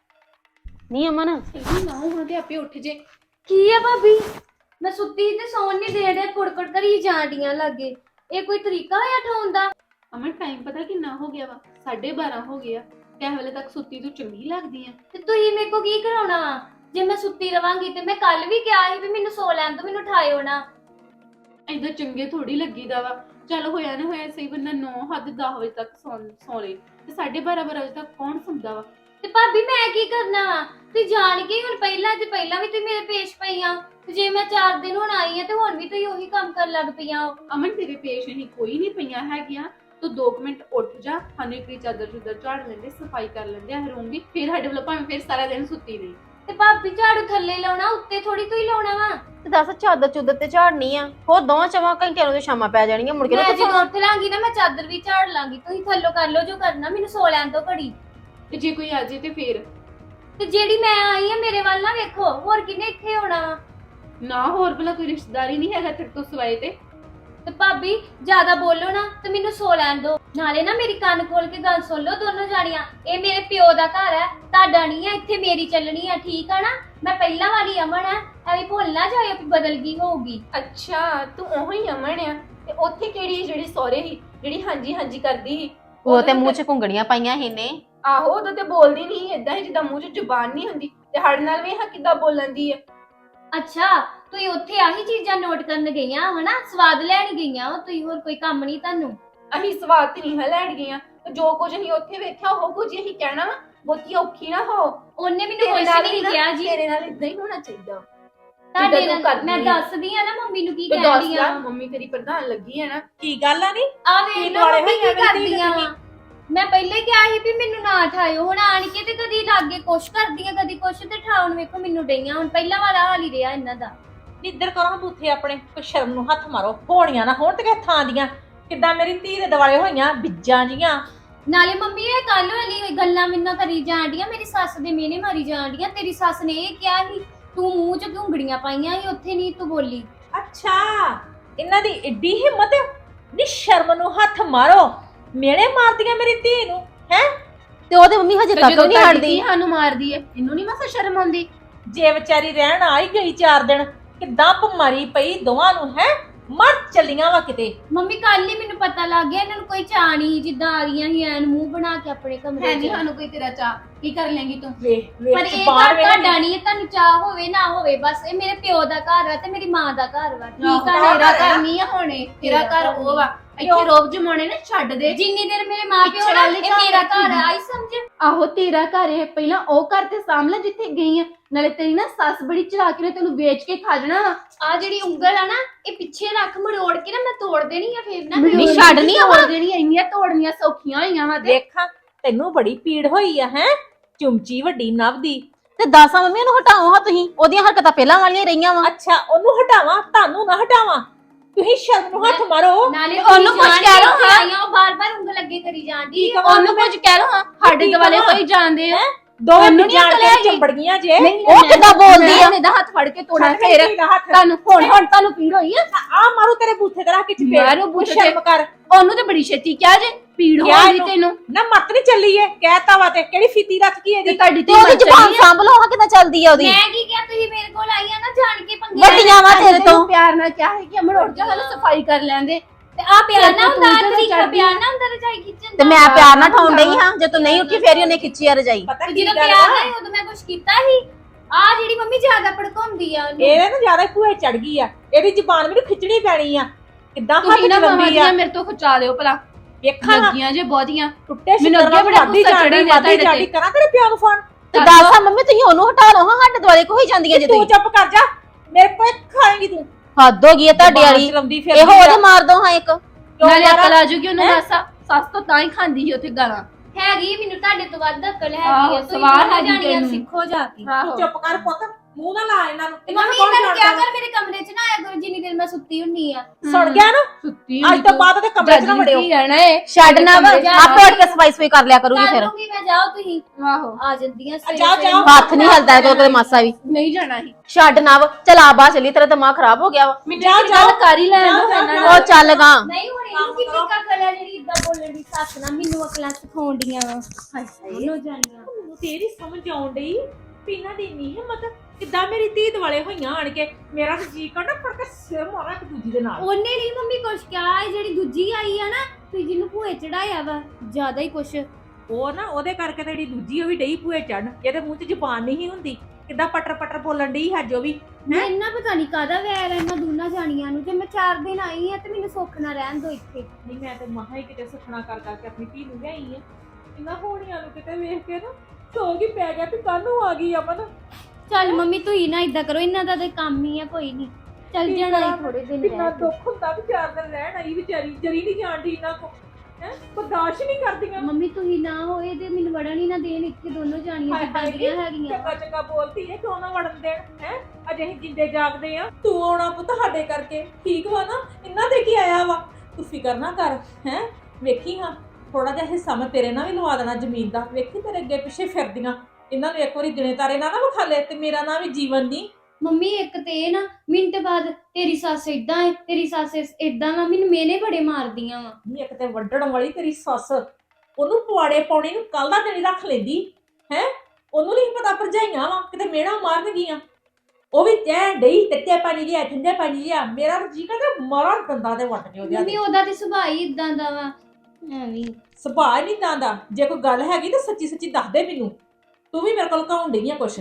[SPEAKER 4] ਨਹੀਂ ਅਮਨ,
[SPEAKER 5] ਇਹ ਨਾ ਹੁਣ ਤੇ ਆਪੇ ਉੱਠ ਜੇ।
[SPEAKER 3] ਕੀ ਆ ਭਾਬੀ? ਮੈਂ ਸੁੱਤੀ ਤੇ ਸੌਣ ਨਹੀਂ ਦੇ ਰਿਹਾ, ਕੁੜਕੜ ਕਰੀ ਜਾਂਦੀਆਂ ਲੱਗੇ। ਇਹ ਕੋਈ ਤਰੀਕਾ ਹੋਇਆ ਠਾਉਣ ਦਾ?
[SPEAKER 5] ਅਮਨ ਟਾਈਮ ਪਤਾ ਕਿੰਨਾ ਹੋ ਗਿਆ ਵਾ? ਸਾਢੇ ਬਾਰਾਂ ਹੋ ਗਿਆ। ਕਿਹ ਵੇਲੇ ਤੱਕ ਸੁੱਤੀ ਤੂੰ ਚੰਗੀ ਲੱਗਦੀ ਆ?
[SPEAKER 3] ਤੇ ਤੁਸੀਂ ਮੇਰੇ ਕੋ ਕੀ ਕਰਾਉਣਾ ਵਾ? ਜੇ ਮੈਂ ਸੁੱਤੀ ਰਵਾਂਗੀ ਤੇ ਮੈਂ ਕੱਲ ਵੀ ਕਿਹਾ ਸੀ ਵੀ ਮੈਨੂੰ ਸੌ ਲੈਣ ਤੋਂ, ਮੈਨੂੰ ਠਾਇਓ ਨਾ।
[SPEAKER 5] ਏਦਾਂ ਚੰਗੇ ਥੋੜੀ ਲੱਗੀਦਾ ਵਾ। ਚੱਲ ਹੋਇਆ ਨਾ ਹੋਇਆ ਸਹੀ, ਬੰਦਾ ਨੌ ਹੱਦ ਦਸ ਵਜੇ ਤੱਕ ਸੌਂ ਸੌ ਲੇ, ਤੇ ਸਾਢੇ ਬਾਰਾਂ ਬਾਰਾਂ ਵਜੇ ਤੱਕ ਕੌਣ ਸੌਂਦਾ ਵਾ?
[SPEAKER 3] ਤੇ ਭਾਬੀ ਮੈਂ ਕੀ ਕਰਨਾ ਵਾ? ਤੁਸੀਂ ਜਾਣ ਕੇ ਹੁਣ ਪਹਿਲਾਂ ਤੇ ਪਹਿਲਾਂ ਵੀ ਤੁਸੀਂ ਮੇਰੇ ਪੇਸ਼ ਪਈਆਂ, ਤੇ ਜੇ ਮੈਂ ਚਾਰ ਦਿਨ ਹੁਣ ਆਈ ਆ ਤੇ ਹੁਣ ਵੀ ਤੁਸੀਂ ਉਹੀ ਕੰਮ ਕਰਨ ਲੱਗ ਪਈਆਂ ਹੋ।
[SPEAKER 5] ਅਮਨ ਤੇਰੇ ਪੇਸ਼ ਨਹੀਂ ਕੋਈ ਨਹੀਂ ਪਈਆਂ ਹੈਗੀਆਂ। ਤੂੰ ਦੋ ਕੁ ਮਿੰਟ ਉੱਠ ਜਾ, ਸਾਨੂੰ ਇੱਕ ਵਾਰੀ ਚਾਦਰ ਚੁੱਦਰ ਝਾੜ ਲੈਂਦੇ, ਸਫਾਈ ਕਰ ਲੈਂਦੇ ਆ ਰੂਮ ਦੀ, ਫਿਰ ਸਾਡੇ ਵੱਲੋਂ ਭਾਵੇਂ ਫਿਰ ਸਾਰਾ ਦਿਨ ਸੁੱਤੀ ਰਹੀ।
[SPEAKER 3] ਤੇ ਭਾਬੀ ਝਾੜੂ ਥੱਲੇ ਲਾਉਣਾ, ਉੱਤੇ ਥੋੜੀ ਤੁਸੀਂ ਲਾਉਣਾ ਵਾ।
[SPEAKER 4] ਤੇ ਦੱਸ ਚਾਦਰ ਚੁੱਦਰ ਤੇ ਝਾੜਨੀ ਆ, ਹੋਰ ਦੋਵਾਂ ਚਵਾਂ ਘੰਟਿਆਂ ਨੂੰ ਤੇ ਸ਼ਾਮਾਂ ਪੈ ਜਾਣੀਆਂ ਮੁੜ ਕੇ ਨਾ
[SPEAKER 3] ਮੈਂ
[SPEAKER 4] ਤੂੰ
[SPEAKER 3] ਜਦੋਂ ਉੱਠ ਲਾਂਗੀ ਨਾ ਮੈਂ ਚਾਦਰ ਵੀ ਝਾੜ ਲਾਂਗੀ, ਤੁਸੀਂ ਥੱਲੋਂ ਕਰ ਲਓ ਜੋ ਕਰਨਾ, ਮੈਨੂੰ ਸੌ ਲੈਣ ਤੋਂ ਘੜੀ।
[SPEAKER 5] ਤੇ ਜੇ ਕੋਈ ਆ ਜੇ ਤੇ ਫੇਰ?
[SPEAKER 3] ਤੇ ਜਿਹੜੀ ਮੈਂ ਆਈ ਆ ਮੇਰੇ ਵੱਲ ਨਾ ਵੇਖੋ, ਹੋਰ ਕਿੰਨੇ ਇੱਥੇ ਹੋਣਾ ਵਾ?
[SPEAKER 5] ਨਾ ਹੋਰ ਭਲਾ ਕੋਈ ਰਿਸ਼ਤੇਦਾਰੀ ਨਹੀਂ ਹੈਗਾ ਤੇਰੇ ਤੋਂ ਸਵਾਏ ਤੇ?
[SPEAKER 3] ਤੇ ਭਾਬੀ ਜ਼ਿਆਦਾ ਬੋਲੋ ਨਾ ਤੇ ਮੈਨੂੰ ਸੌ ਲੈਣ ਦਿਓ। ਨਾਲੇ ਨਾ ਮੇਰੀ ਕੰਨ ਖੋਲ ਕੇ ਗੱਲ ਸੁਣ ਲਓ ਦੋਨੋਂ ਜਾਣੀਆਂ, ਇਹ ਮੇਰੇ ਪਿਓ ਦਾ ਘਰ ਹੈ, ਤੁਹਾਡਾ ਨਹੀਂ ਹੈ, ਇੱਥੇ ਮੇਰੀ ਚੱਲਣੀ ਆ, ਠੀਕ ਆ ਨਾ? ਮੈਂ ਪਹਿਲਾਂ ਵਾਲੀ ਅਮਨ ਆ, ਐਵੇਂ ਭੁੱਲ ਨਾ ਜਾਇਓ ਵੀ ਬਦਲ ਗਈ ਹੋਊਗੀ।
[SPEAKER 5] ਅੱਛਾ ਤੂੰ ਉਹੀ ਅਮਨ ਆ? ਤੇ ਉੱਥੇ ਕਿਹੜੀ ਜਿਹੜੀ ਸਹੁਰੇ ਸੀ ਜਿਹੜੀ ਹਾਂਜੀ ਹਾਂਜੀ ਕਰਦੀ ਸੀ?
[SPEAKER 4] ਉਹ ਤੇ ਮੂੰਹ 'ਚ ਘੁੰਗਣੀਆਂ ਪਾਈਆਂ ਸੀ ਨੇ।
[SPEAKER 5] ਆਹੋ ਉਦੋਂ ਤੇ ਬੋਲਦੀ ਨਹੀਂ ਏਦਾਂ ਹੀ ਜਿੱਦਾਂ ਮੂੰਹ 'ਚ ਜ਼ੁਬਾਨ ਨਹੀਂ ਹੁੰਦੀ, ਤੇ ਸਾਡੇ ਨਾਲ ਵੀ ਹਾਂ ਕਿੱਦਾਂ ਬੋਲਣ ਦੀ ਆ।
[SPEAKER 3] ਅੱਛਾ ਤੁਸੀਂ ਉੱਥੇ ਆਹੀ ਚੀਜ਼ਾਂ ਨੋਟ ਕਰਨ ਗਈਆਂ ਹਨਾ, ਸਵਾਦ ਲੈਣ ਗਈਆਂ ਹੋ ਤੁਸੀਂ, ਹੋਰ ਕੋਈ ਕੰਮ ਨਹੀਂ ਤੁਹਾਨੂੰ?
[SPEAKER 5] ਅਸੀਂ ਸਵਾਦ ਤੇ ਨਹੀਂ ਹੈ ਲੈਣ ਗਈਆਂ, ਤੇ ਜੋ ਕੁਝ ਅਸੀਂ ਉੱਥੇ ਵੇਖਿਆ ਉਹ ਕੁਝ ਅਸੀਂ ਕਹਿਣਾ ਵਾ। ਬਹੁਤੀ ਔਖੀ ਨਾ ਹੋ।
[SPEAKER 3] ਉਹਨੇ ਮੈਨੂੰ
[SPEAKER 5] ਤੇਰੇ
[SPEAKER 3] ਕੁਛ
[SPEAKER 5] ਨਾਲ
[SPEAKER 3] ਨਹੀਂ
[SPEAKER 5] ਵੀ ਨਾ-
[SPEAKER 3] ਕਿਹਾ ਜੀ।
[SPEAKER 5] ਤੇਰੇ ਨਾਲ ਇਦਾਂ ਹੀ ਹੋਣਾ ਚਾਹੀਦਾ।
[SPEAKER 3] ਤੁਹਾਡੇ
[SPEAKER 5] ਜਿੱਦਾਂ ਤੂੰ
[SPEAKER 3] ਨਾਲ
[SPEAKER 5] ਕਰਦੀ
[SPEAKER 3] ਮੈਂ
[SPEAKER 5] ਆ।
[SPEAKER 3] ਦੱਸਦੀ ਆ ਨਾ ਮੰਮੀ ਨੂੰ ਕੀ
[SPEAKER 5] ਤੇ ਦੱਸ
[SPEAKER 3] ਕਹਿੰਦੀ ਆ।
[SPEAKER 5] ਲੈ, ਮੰਮੀ ਤੇਰੀ ਪ੍ਰਧਾਨ ਲੱਗੀ ਹੈ ਨਾ।
[SPEAKER 1] ਕੀ ਗੱਲ ਆ ਨੀ?
[SPEAKER 3] ਆ ਵੇਖ
[SPEAKER 1] ਕੀ
[SPEAKER 3] ਲਓ
[SPEAKER 1] ਦੁਆਲੇ
[SPEAKER 3] ਮੰਮੀ
[SPEAKER 1] ਹੋਈਆਂ
[SPEAKER 3] ਕੀ
[SPEAKER 1] ਮੇਰੀ ਧੀ
[SPEAKER 3] ਕਰਦੀਆਂ
[SPEAKER 1] ਨੂੰ
[SPEAKER 3] ਵਾ। ਮੈਂ ਪਹਿਲੇ ਕਿਹਾ ਸੀ ਵੀ ਮੈਨੂੰ ਨਾ ਠਾਇਓ, ਹੁਣ ਆਣ ਕੇ ਤੇ ਕਦੀ ਲਾਗੇ ਕੁਛ ਕਰਦੀਆਂ ਕਦੀ ਕੁਛ, ਤੇ ਠਾਉਣ ਵੇਖੋ ਮੈਨੂੰ ਡਈਆਂ। ਹੁਣ ਪਹਿਲਾਂ ਵਾਲਾ ਹਾਲ ਹੀ ਰਿਹਾ ਇਹਨਾਂ ਦਾ।
[SPEAKER 1] ਨਿੱਧਰ ਕਰੋ ਬੂਥੇ ਆਪਣੇ, ਕੋਈ ਸ਼ਰਮ ਨੂੰ ਹੱਥ ਮਾਰੋ। ਹੋਣੀਆਂ ਨਾ ਹੋਣ ਤੇ ਕਿਸ ਥਾਂ ਦੀਆਂ, ਕਿੱਦਾਂ ਮੇਰੀ ਧੀ ਦੇ ਦਿਵਾਲੇ ਹੋਈਆਂ ਬਿੱਜਾਂ ਜੀਆਂ।
[SPEAKER 3] ਨਾਲੇ ਮੰਮੀ ਇਹ ਕੱਲ ਵਾਲੀ ਗੱਲਾਂ ਮੈਨੂੰ ਕਰੀ ਜਾਂਦੀਆਂ, ਮੇਰੀ ਸੱਸ ਦੇ ਮੇਨੇ ਮਾਰੀ ਜਾਂਦੀਆਂ। ਤੇਰੀ ਸੱਸ ਨੇ ਇਹ ਕਿਹਾ ਸੀ ਤੂੰ ਮੂੰਹ 'ਚ ਘੁੰਗੜੀਆਂ ਪਾਈਆਂ ਸੀ, ਉੱਥੇ ਨਹੀਂ ਤੂੰ ਬੋਲੀ।
[SPEAKER 1] ਅੱਛਾ ਇਹਨਾਂ ਦੀ ਏਡੀ ਹਿੰਮਤ, ਨੀ ਸ਼ਰਮ ਨੂੰ ਹੱਥ ਮਾਰੋ। ਮੇਰੇ ਮਾਰਦੀਆਂ ਮੇਰੀ ਧੀ ਨੂੰ ਹੈ?
[SPEAKER 4] ਤੇ ਉਹਦੇ ਮੰਮੀ ਹਜੇ ਤੱਕ
[SPEAKER 5] ਜਦੋਂ
[SPEAKER 4] ਨਹੀਂ
[SPEAKER 5] ਤੁਹਾਡੀ
[SPEAKER 4] ਹਟਦੀ।
[SPEAKER 5] ਧੀ ਸਾਨੂੰ ਮਾਰਦੀ ਹੈ, ਇਹਨੂੰ ਨਹੀਂ ਮਸਾ ਸ਼ਰਮ ਆਉਂਦੀ?
[SPEAKER 1] ਜੇ ਵਿਚਾਰੀ ਰਹਿਣ ਆ ਹੀ ਗਈ ਚਾਰ ਦਿਨ, ਕਿੱਦਾਂ ਭਮਾਰੀ ਪਈ ਦੋਵਾਂ ਨੂੰ ਹੈ। ਮਰ ਚੱਲੀਆਂ ਵਾ ਕਿਤੇ।
[SPEAKER 3] ਮੰਮੀ ਕੱਲ ਹੀ ਮੈਨੂੰ ਪਤਾ ਲੱਗ ਗਿਆ ਇਹਨਾਂ ਨੂੰ ਕੋਈ ਚਾਅ ਨਹੀਂ, ਜਿੱਦਾਂ ਆ ਰਹੀਆਂ ਸੀ ਐਨ ਮੂੰਹ ਬਣਾ ਕੇ ਆਪਣੇ
[SPEAKER 5] ਹੈ
[SPEAKER 3] ਕਮਰੇ
[SPEAKER 5] ਨਹੀਂ
[SPEAKER 3] 'ਚ।
[SPEAKER 5] ਸਾਨੂੰ ਕੋਈ ਤੇਰਾ ਚਾਹ, ਕੀ ਕਰ ਲੇਂਗੀ ਤੂੰ?
[SPEAKER 1] ਵੇਖ
[SPEAKER 3] ਪਰ
[SPEAKER 1] ਵੇਖ
[SPEAKER 3] ਇਹ
[SPEAKER 1] ਬਾਹਰ
[SPEAKER 3] ਘਰ
[SPEAKER 1] ਵੇਖ
[SPEAKER 3] ਤੁਹਾਡਾ ਨਹੀਂ ਹੈ, ਤੁਹਾਨੂੰ ਚਾਹ ਹੋਵੇ ਨਾ ਹੋਵੇ, ਬਸ ਇਹ ਮੇਰੇ ਪਿਓ ਦਾ ਘਰ ਵਾ ਤੇ ਮੇਰੀ ਮਾਂ ਦਾ ਘਰ ਵਾ, ਠੀਕ ਆ ਨਾ?
[SPEAKER 5] ਤੇਰਾ ਘਰ ਨਹੀਂ ਆ ਹੋਣੇ, ਤੇਰਾ ਘਰ ਉਹ ਵਾ। ਇੱਥੇ ਰੋਬ ਜਮਾਉਣੇ ਨਾ ਛੱਡ ਦੇ।
[SPEAKER 3] ਜਿੰਨੀ ਦੇਰ ਮੇਰੇ ਮਾਂ ਪਿਓ
[SPEAKER 5] ਪਿੱਛੇ
[SPEAKER 3] ਨਾਲ
[SPEAKER 5] ਵਾਲੀ
[SPEAKER 3] ਇਹ ਮੇਰਾ
[SPEAKER 5] ਘਰ
[SPEAKER 3] ਘਰ
[SPEAKER 5] ਹੈ।
[SPEAKER 3] ਆ, ਆਈ ਸਮਝ?
[SPEAKER 5] ਆਹੋ ਤੇਰਾ ਘਰ ਹੈ, ਪਹਿਲਾਂ ਉਹ ਘਰ ਤੇ ਸਾਹਮਣੇ ਜਿੱਥੇ ਗਈ ਆ। ਨਾਲੇ ਤੇਰੀ ਨਾ ਸੱਸ ਬੜੀ ਚਲਾਕ ਨੇ, ਤੈਨੂੰ ਵੇਚ ਕੇ ਖਾ ਜਾਣਾ।
[SPEAKER 3] ਆ ਜਿਹੜੀ ਉਂਗਲ ਆ ਨਾ ਇਹ ਪਿੱਛੇ ਰੱਖ, ਮਰੋੜ ਕੇ ਨਾ ਮੈਂ ਤੋੜ ਦੇਣੀ ਆ ਫੇਰ ਨਾ।
[SPEAKER 4] ਨਹੀਂ ਛੱਡ ਨੀ
[SPEAKER 5] ਤੋੜ ਦੇਣੀ, ਇੰਨੀਆਂ ਤੋੜਨੀਆਂ ਸੌਖੀਆਂ ਹੋਈਆਂ ਵਾ ਤੇ।
[SPEAKER 1] ਵੇਖਾਂ ਤੈਨੂੰ ਬੜੀ ਪੀੜ ਹੋਈ ਆ ਹੈ, ਚੁੰਮਚੀ ਵੱਡੀ ਨਵ ਦੀ।
[SPEAKER 4] ਤੇ ਦੱਸਾਂ ਮੰਮੀ ਉਹਨੂੰ ਹਟਾਓ ਹਾਂ ਤੁਸੀਂ, ਉਹਦੀਆਂ ਹਰਕਤਾਂ ਪਹਿਲਾਂ ਵਾਲੀਆਂ ਰਹੀਆਂ ਵਾ।
[SPEAKER 1] ਅੱਛਾ ਉਹਨੂੰ ਹਟਾਵਾਂ, ਤੁਹਾਨੂੰ ਨਾ ਹਟਾਵਾਂ? ਤੁਸੀਂ ਸ਼ਰਮ ਨੂੰ ਹੱਥ ਮਾਰੋ।
[SPEAKER 3] ਨਾਲੇ
[SPEAKER 5] ਉਹਨੂੰ ਕੁਛ ਕਹਿ ਲਓ ਹਾਂ।
[SPEAKER 3] ਆਈਆਂ ਉਹ ਬਾਰ-ਬਾਰ ਉਂਗਲ ਅੱਗੇ ਕਰੀ ਜਾਂਦੀ।
[SPEAKER 5] ਉਹਨੂੰ ਕੁਝ ਕਹਿ ਲੋ ਹਾਂ, ਸਾਡੇ ਦੁਆਲੇ ਕੋਈ ਜਾਣਦੇ ਆ।
[SPEAKER 1] ਦੋਵੇਂ
[SPEAKER 5] ਉਹਨੂੰ ਨੀ
[SPEAKER 1] ਜਾਣ
[SPEAKER 5] ਅਕਲ
[SPEAKER 1] ਕੇ
[SPEAKER 5] ਹੈਗੀ।
[SPEAKER 1] ਚੰਬੜ ਗਈਆਂ ਜੇ।
[SPEAKER 4] ਉਹ ਕਿੱਦਾਂ ਬੋਲਦੀ ਆ?
[SPEAKER 5] ਇਹਦਾ ਹੱਥ ਫੜ ਕੇ ਤੋੜਾ
[SPEAKER 1] ਛੱਡ
[SPEAKER 5] ਫੇਰ
[SPEAKER 1] ਮੇਰੀ ਧੀ ਦਾ ਹੱਥ।
[SPEAKER 5] ਤੁਹਾਨੂੰ ਹੁਣ ਹੁਣ ਤੁਹਾਨੂੰ ਪੀੜ ਹੋਈ ਆ।
[SPEAKER 1] ਆ ਮਾਰੂ ਤੇਰੇ ਬੂਥੇ ਤੇ ਰੱਖ ਕੇ ਚਪੇੜ।
[SPEAKER 5] ਮਾਰੂ ਬੂਥੇ ਤੇ।
[SPEAKER 1] ਸ਼ਰਮ ਕਰ।
[SPEAKER 5] ਉਹਨੂੰ ਤੇ ਬੜੀ ਛੇਤੀ ਕਿਹਾ ਜੇ ਪੀੜ
[SPEAKER 1] ਕਿਹਾ
[SPEAKER 5] ਹੋਈ
[SPEAKER 1] ਇਹਨੂੰ।
[SPEAKER 5] ਤੈਨੂੰ।
[SPEAKER 1] ਨਾ ਮੱਤ ਨਹੀਂ ਚੱਲੀ ਏ, ਕਹਿਤਾ ਵਾ ਤੇ ਕਿਹੜੀ ਫੀਤੀ ਰੱਖ ਗਈ
[SPEAKER 5] ਤੇ
[SPEAKER 1] ਇਹਦੀ।
[SPEAKER 5] ਤੁਹਾਡੀ
[SPEAKER 4] ਤੇ
[SPEAKER 5] ਧੀ
[SPEAKER 4] ਉਹਦੀ
[SPEAKER 5] ਮਰ
[SPEAKER 4] ਜ਼ੁਬਾਨ
[SPEAKER 5] ਚੱਲੀ ਆ।
[SPEAKER 4] ਸਾਂਭ ਲਓ ਹਾਂ, ਕਿੱਦਾਂ ਚੱਲਦੀ ਆ ਉਹਦੀ।
[SPEAKER 3] ਮੈਂ ਕੀ ਕਿਹਾ, ਤੁਸੀਂ ਮੇਰੇ ਕੋਲ ਆਈਆਂ ਨਾ ਜਾਣ ਕੇ ਪੰਗੇ।
[SPEAKER 4] ਵੱਡੀਆਂ ਵਾ ਤੇਰੇ ਤੋਂ।
[SPEAKER 5] ਪਿਆਰ ਨਾਲ ਕਿਹਾ ਹੈ ਕਿ ਅਮਰ ਉੱਠ ਜਾ, ਸਾਨੂੰ ਸਫਾਈ ਕਰ ਲੈਂਦੇ।
[SPEAKER 3] ਤੇ ਆ ਪਿਆਰ ਨਾ ਹੁੰਦਾ,
[SPEAKER 5] ਤੂੰ ਤੇ
[SPEAKER 3] ਤਰੀਕਾ
[SPEAKER 5] ਚੜ੍ਹਦੀ
[SPEAKER 3] ਪਿਆਰ ਨਾ ਹੁੰਦਾ ਰਜਾਈ ਖਿੱਚਣ
[SPEAKER 4] ਤੇ
[SPEAKER 3] ਦਾ।
[SPEAKER 4] ਮੈਂ ਪਿਆਰ ਨਾਲ ਠਾਉਣ ਡਈ ਹਾਂ, ਜੇ ਤੂੰ ਨਹੀਂ ਉੱਠੀ ਫੇਰ ਹੀ ਉਹਨੇ ਖਿੱਚੀ ਆ ਰਜਾਈ।
[SPEAKER 1] ਪਤਾ
[SPEAKER 3] ਤੇ
[SPEAKER 1] ਕੀ
[SPEAKER 3] ਜਦੋਂ
[SPEAKER 1] ਗੱਲ
[SPEAKER 3] ਪਿਆਰ
[SPEAKER 1] ਵਾ?
[SPEAKER 3] ਨਹੀਂ ਉਦੋਂ ਮੈਂ ਕੁਝ ਕੀਤਾ ਸੀ। ਆ ਜਿਹੜੀ ਮੰਮੀ ਜ਼ਿਆਦਾ ਭੜਕਾਉਂਦੀ ਆ ਉਹਨੂੰ।
[SPEAKER 1] ਇਹਦੇ ਨਾ ਜ਼ਿਆਦਾ ਭੂਏ ਚੜ ਗਈ ਆ, ਇਹਦੀ ਜ਼ੁਬਾਨ ਮੈਨੂੰ ਖਿੱਚਣੀ ਪੈਣੀ ਆ। ਕਿੱਦਾਂ ਹੱਥ
[SPEAKER 5] ਤੁਸੀਂ ਨਾ ਮਾਮਾ
[SPEAKER 1] ਚਲਾਉਂਦੀ ਆ।
[SPEAKER 5] ਜੀ ਮੇਰੇ ਤੋਂ ਖੁਚਾ ਦਿਓ ਭਲਾ।
[SPEAKER 1] ਵੇਖਾਂ ਨਾ
[SPEAKER 5] ਲੱਗੀਆਂ ਜੇ ਬਹੁਤੀਆਂ।
[SPEAKER 1] ਟੁੱਟੇ
[SPEAKER 5] ਮੈਨੂੰ
[SPEAKER 1] ਸ਼ਿਕਰ
[SPEAKER 5] ਅੱਗੇ
[SPEAKER 1] ਨਾਲ
[SPEAKER 5] ਬੜਾ
[SPEAKER 1] ਵਾਦੀ
[SPEAKER 5] ਗੁੱਸਾ
[SPEAKER 1] ਜਾਣੀ,
[SPEAKER 5] ਚੜ੍ਹੀ
[SPEAKER 1] ਵਾਦੀ
[SPEAKER 5] ਤੁਹਾਡੇ
[SPEAKER 1] ਜਾਣੀ
[SPEAKER 5] ਤੇ।
[SPEAKER 1] ਕਰਾਂ ਤੇਰੇ ਪਿਓ ਨੂੰ ਫੋਨ।
[SPEAKER 4] ਤੇ ਦੱਸਾਂ ਮੰਮੀ ਤੁਸੀਂ ਉਹਨੂੰ ਹਟਾ ਲਓ ਹਾਂ, ਸਾਡੇ ਦੁਆਲੇ ਕੋਈ ਜਾਂਦੀਆਂ ਜੇ
[SPEAKER 1] ਤੂੰ
[SPEAKER 4] ਤੁਸੀਂ।
[SPEAKER 1] ਚੁੱਪ ਕਰ ਜਾ, ਮੇਰੇ ਕੋਲ ਖਾਏਂਗੀ ਤੂੰ।
[SPEAKER 4] ਹੱਦ ਹੋ ਗਈ ਹੈ ਤੁਹਾਡੇ
[SPEAKER 1] ਜ਼ੁਬਾਨ
[SPEAKER 4] ਵਾਲੀ।
[SPEAKER 1] ਚਲਾਉਂਦੀ ਫਿਰਦੀ
[SPEAKER 4] ਇਹੋ
[SPEAKER 1] ਆ।
[SPEAKER 4] ਉਹਦੇ ਮਾਰ ਦੋ ਹਾਂ ਇੱਕ।
[SPEAKER 1] ਕਿਉਂ
[SPEAKER 5] ਨਾਲੇ
[SPEAKER 1] ਮਾਰਾਂ?
[SPEAKER 5] ਅਕਲ ਆ ਜੂਗੀ ਉਹਨੂੰ
[SPEAKER 1] ਹੈਂ?
[SPEAKER 5] ਦੱਸ। ਸੱਸ ਤੋਂ ਤਾਂ ਹੀ ਖਾਂਦੀ ਸੀ ਉੱਥੇ ਗਾਲਾਂ।
[SPEAKER 3] ਹੈਗੀ ਮੈਨੂੰ ਤੁਹਾਡੇ ਤੋਂ ਵੱਧ ਅਕਲ ਹੈਗੀ
[SPEAKER 5] ਆਹੋ,
[SPEAKER 3] ਆ। ਤੁਸੀਂ
[SPEAKER 5] ਸਵਾਲ
[SPEAKER 3] ਦੋਵੇਂ
[SPEAKER 5] ਹੈਗੀ
[SPEAKER 3] ਜਾਣੀਆਂ
[SPEAKER 5] ਤੈਨੂੰ।
[SPEAKER 3] ਸਿੱਖੋ ਜਾ ਕੇ।
[SPEAKER 5] ਆਹੋ
[SPEAKER 1] ਚੁੱਪ ਕਰ ਪੁੱਤ, ਮੂੰਹ ਨਾ ਲਾ ਇਹਨਾਂ ਨੂੰ ਇਹਨਾਂ ਨੂੰ
[SPEAKER 3] ਮੰਮੀ
[SPEAKER 1] ਕੌਣ
[SPEAKER 3] ਇਹਨਾਂ ਨੂੰ ਕਿਹਾ
[SPEAKER 1] ਜਾਣਦਾ
[SPEAKER 3] ਕਰ ਮੇਰੇ ਕਮਰੇ 'ਚ ਨਾ ਆਇਆ ਕਰੋ ਜਿੰਨੀ ਦੇਰ ਮੈਂ ਸੁੱਤੀ ਹੁੰਨੀ ਆ
[SPEAKER 1] ਸੁਣ ਗਿਆ ਨਾ
[SPEAKER 5] ਸੁੱਤੀ
[SPEAKER 1] ਅੱਜ ਤੋਂ ਬਾਅਦ ਉਹਦੇ ਕਮਰੇ 'ਚ ਨਾ ਵੜਿਓ
[SPEAKER 5] ਰਹਿਣਾ ਏ
[SPEAKER 4] ਛੱਡ ਨਾ ਵਾ ਆਪੇ ਉੱਠ ਕੇ ਸਫਾਈ ਸਫਾਈ ਕਰ ਲਿਆ ਕਰੂਗੀ
[SPEAKER 3] ਕਰ
[SPEAKER 4] ਫਿਰ
[SPEAKER 3] ਲੂੰਗੀ ਮੈਂ ਜਾਓ ਤੁਸੀਂ
[SPEAKER 5] ਆਹੋ
[SPEAKER 3] ਆ ਜਾਂਦੀਆਂ ਸਵੇਰੇ
[SPEAKER 1] ਜਾਓ,
[SPEAKER 3] ਸਵੇਰੇ।
[SPEAKER 1] ਜਾਓ।
[SPEAKER 4] ਹੱਥ ਨਹੀਂ ਹਿਲਦਾ ਕੋਈ ਕਦੇ ਮਾਸਾ ਵੀ
[SPEAKER 5] ਨਹੀਂ ਜਾਣਾ ਸੀ
[SPEAKER 4] ਛੱਡ ਨਾ ਵਾ ਚਲ ਆ ਬਾਹਰ ਚਲੀ ਤੇਰਾ ਦਿਮਾਗ ਖਰਾਬ ਹੋ ਗਿਆ ਵਾ
[SPEAKER 1] ਜਾ ਜਾ
[SPEAKER 5] ਕਰ ਹੀ ਲੈਣ
[SPEAKER 1] ਜਾਓ,
[SPEAKER 5] ਦੋ
[SPEAKER 1] ਜਾਓ,
[SPEAKER 5] ਇਹਨਾਂ
[SPEAKER 1] ਜਾਓ।
[SPEAKER 4] ਉਹ ਚੱਲ ਗਾ
[SPEAKER 3] ਨਹੀਂ ਹੁਣ ਇਹਨੂੰ ਕੀ ਟਿੱਕਾ ਖਲਿਆ ਜਿਹੜੀ ਇਦਾਂ ਬੋਲਣ ਦੀ ਸੱਸ ਨਾ ਮੈਨੂੰ ਅਕਲਾਂ ਸਿਖਾਉਣ ਡੀਆਂ ਵਾ ਹਾਏ ਦੋਨੋਂ ਜਾਣੀਆਂ
[SPEAKER 1] ਮੈਨੂੰ ਤੇਰੀ ਸਮਝ ਆਉਣ ਡਈ ਵੀ ਇਹਨਾਂ ਦੀ ਇੰਨੀ ਹਿੰਮਤ ਕਿੱਦਾਂ ਮੇਰੀ ਧੀ ਦੁਆਲੇ ਹੋਈਆਂ ਆਣ ਕੇ ਮੇਰਾ ਤਾਂ ਜੀ ਕਰਦਾ ਫੜ ਕੇ ਸਿਰ ਮਾਰਾਂ ਇੱਕ ਦੂਜੀ ਦੇ ਨਾਲ
[SPEAKER 3] ਉਹਨੇ ਨਹੀਂ ਮੰਮੀ ਕੁਛ ਕਿਹਾ ਇਹ ਜਿਹੜੀ ਦੂਜੀ ਆਈ ਆ ਨਾ ਤੁਸੀਂ ਜਿਹਨੂੰ ਭੂਏ ਚੜਾਇਆ ਵਾ ਜ਼ਿਆਦਾ ਹੀ ਕੁਛ
[SPEAKER 1] ਉਹ ਨਾ ਉਹਦੇ ਕਰਕੇ ਤੇ ਜਿਹੜੀ ਦੂਜੀ ਉਹ ਵੀ ਡਈ ਭੂਏ ਚੜਨ ਇਹਦੇ ਮੂੰਹ 'ਚ ਜ਼ੁਬਾਨ ਨਹੀਂ ਹੁੰਦੀ ਕਿੱਦਾਂ ਪਟਰ ਪਟਰ ਬੋਲਣ ਡਈ ਹੈ ਜੋ ਵੀ
[SPEAKER 3] ਮੈਂ ਇੰਨਾ ਪਤਾ ਨਹੀਂ ਕਾਹਦਾ ਵੈਰ ਆ ਇਹਨਾਂ ਦੋਨਾਂ ਜਾਣੀਆਂ ਨੂੰ ਜੇ ਮੈਂ ਚਾਰ ਦਿਨ ਆਈ ਆ ਤੇ ਮੈਨੂੰ ਸੁੱਖ ਨਾ ਰਹਿਣ ਦੋ ਇੱਥੇ
[SPEAKER 1] ਨਹੀਂ ਮੈਂ ਤੇ ਮਹਾ ਹੀ ਕਿਤੇ ਸੁਖਣਾ ਕਰ ਕਰਕੇ ਆਪਣੀ ਧੀ ਨੂੰ ਲਿਆਈ ਆ ਇਹਨਾਂ ਹੋਣੀਆਂ ਨੂੰ ਕਿਤੇ ਵੇਖ ਕੇ ਨਾ ਸੋਗ ਹੀ ਪੈ ਗਿਆ ਵੀ ਕੱਲ ਨੂੰ ਆ ਗਈ ਅਮਨ
[SPEAKER 3] ਚੱਲ ਮੰਮੀ ਤੁਸੀਂ ਨਾ ਇਦਾਂ ਕਰੋ ਇਹਨਾਂ ਦਾ ਤੇ ਕੰਮ ਹੀ ਆ ਕੋਈ ਨਹੀਂ ਚੱਲ
[SPEAKER 1] ਕੀ
[SPEAKER 3] ਜਾਣਾ
[SPEAKER 1] ਕਰਾਂ
[SPEAKER 3] ਥੋੜੇ ਦਿਨ
[SPEAKER 1] ਕਿੰਨਾ
[SPEAKER 3] ਰਹਿ ਕੇ।
[SPEAKER 1] ਦੁੱਖ ਹੁੰਦਾ ਵੀ ਚਾਰ ਦਿਨ ਰਹਿਣ ਆਈ ਵਿਚਾਰੀ ਜਰੀ ਨਹੀਂ ਜਾਣਦੀ ਇਹਨਾਂ ਕੋ ਹੈ ਬਰਦਾਸ਼ਤ ਨਹੀਂ ਕਰਦੀਆਂ
[SPEAKER 3] ਮੰਮੀ ਤੁਸੀਂ ਨਾ ਹੋਏ ਤੇ ਮੈਨੂੰ ਵੜਨ ਹੀ ਨਾ ਦੇਣ ਇੱਥੇ ਦੋਨੋਂ ਜਾਣੀਆਂ
[SPEAKER 1] ਹਾਏ
[SPEAKER 3] ਜਿੱਦਾਂ
[SPEAKER 1] ਹਾਏ
[SPEAKER 3] ਦੀਆਂ
[SPEAKER 1] ਨੀ,
[SPEAKER 3] ਹੈਗੀਆਂ
[SPEAKER 1] ਚੰਗਾ ਚੰਗਾ ਬੋਲਦੀ ਹੈ ਕਿਉਂ ਨਾ ਵੜਨ ਦੇਣ ਹੈ ਅਜੇ ਅਸੀਂ ਜਿੰਦੇ ਜਾਗਦੇ ਆ ਤੂੰ ਆਉਣਾ ਪੁੱਤ ਸਾਡੇ ਕਰਕੇ ਠੀਕ ਵਾ ਨਾ ਇਹਨਾਂ ਦੇ ਕੀ ਆਇਆ ਵਾ ਤੂੰ ਫਿਕਰ ਨਾ ਕਰ ਹੈ ਵੇਖੀ ਹਾਂ ਥੋੜਾ ਜਿਹਾ ਹਿੱਸਾ ਮੈਂ ਤੇਰੇ ਨਾਲ ਵੀ ਲਵਾ ਦੇਣਾ ਜ਼ਮੀਨ ਦਾ ਵੇਖੀ ਤੇਰੇ ਅੱਗੇ ਪਿੱਛੇ ਫਿਰਦੀਆਂ ਇਹਨਾਂ ਨੂੰ ਇੱਕ ਵਾਰੀ ਗਿਣੇ ਤਾਰੇ ਨਾ ਨਾ ਵਿਖਾ ਲੈ ਤੇ ਮੇਰਾ ਨਾਂ ਵੀ ਜੀਵਨ ਨਹੀਂ
[SPEAKER 3] ਮੰਮੀ ਇੱਕ ਤੇ ਇਹ ਨਾ ਮਿੰਟ ਬਾਅਦ ਤੇਰੀ ਸੱਸ ਇਦਾਂ ਹੈ ਤੇਰੀ ਸੱਸ ਇਦਾਂ ਵਾ ਮੈਨੂੰ ਮੇਨੇ ਬੜੇ ਮਾਰਦੀਆਂ ਵਾ
[SPEAKER 1] ਨਹੀਂ ਇੱਕ ਤੇ ਵੱਢਣ ਵਾਲੀ ਤੇਰੀ ਸੱਸ ਉਹਨੂੰ ਪੁਆੜੇ ਪਾਉਣੇ ਨੂੰ ਕੱਲ ਦਾ ਦਿਨ ਰੱਖ ਲੈਂਦੀ ਹੈ ਉਹਨੂੰ ਨਹੀਂ ਪਤਾ ਭਰਜਾਈਆਂ ਵਾ ਕਿਤੇ ਮੇਣਾ ਮਾਰਨਗੀਆਂ ਉਹ ਵੀ ਤੈਂ ਡਈ ਤੱਤੇ ਪਾਣੀ ਲਿਆ ਠੰਡੇ ਪਾਣੀ ਲਿਆ ਮੇਰਾ ਜੀ ਕਹਿੰਦਾ ਮਾਰਾਂ ਦੰਦਾਂ ਤੇ ਵੱਟ ਕੇ ਉਹਦੇ
[SPEAKER 3] ਮੰਮੀ ਉਹਦਾ ਤੇ ਸੁਭਾਅ ਹੀ ਇਦਾਂ ਦਾ ਵਾ ਐਵੇਂ
[SPEAKER 1] ਸੁਭਾਅ ਨਹੀਂ ਤਾਂ ਦਾ ਜੇ ਕੋਈ ਗੱਲ ਹੈਗੀ ਤਾਂ ਸੱਚੀ ਸੱਚੀ ਦੱਸ ਦੇ ਮੈਨੂੰ ਤੂੰ ਵੀ ਮੇਰੇ ਕੋਲ ਕਹਾਉਣ ਡਈ ਆ ਕੁਛ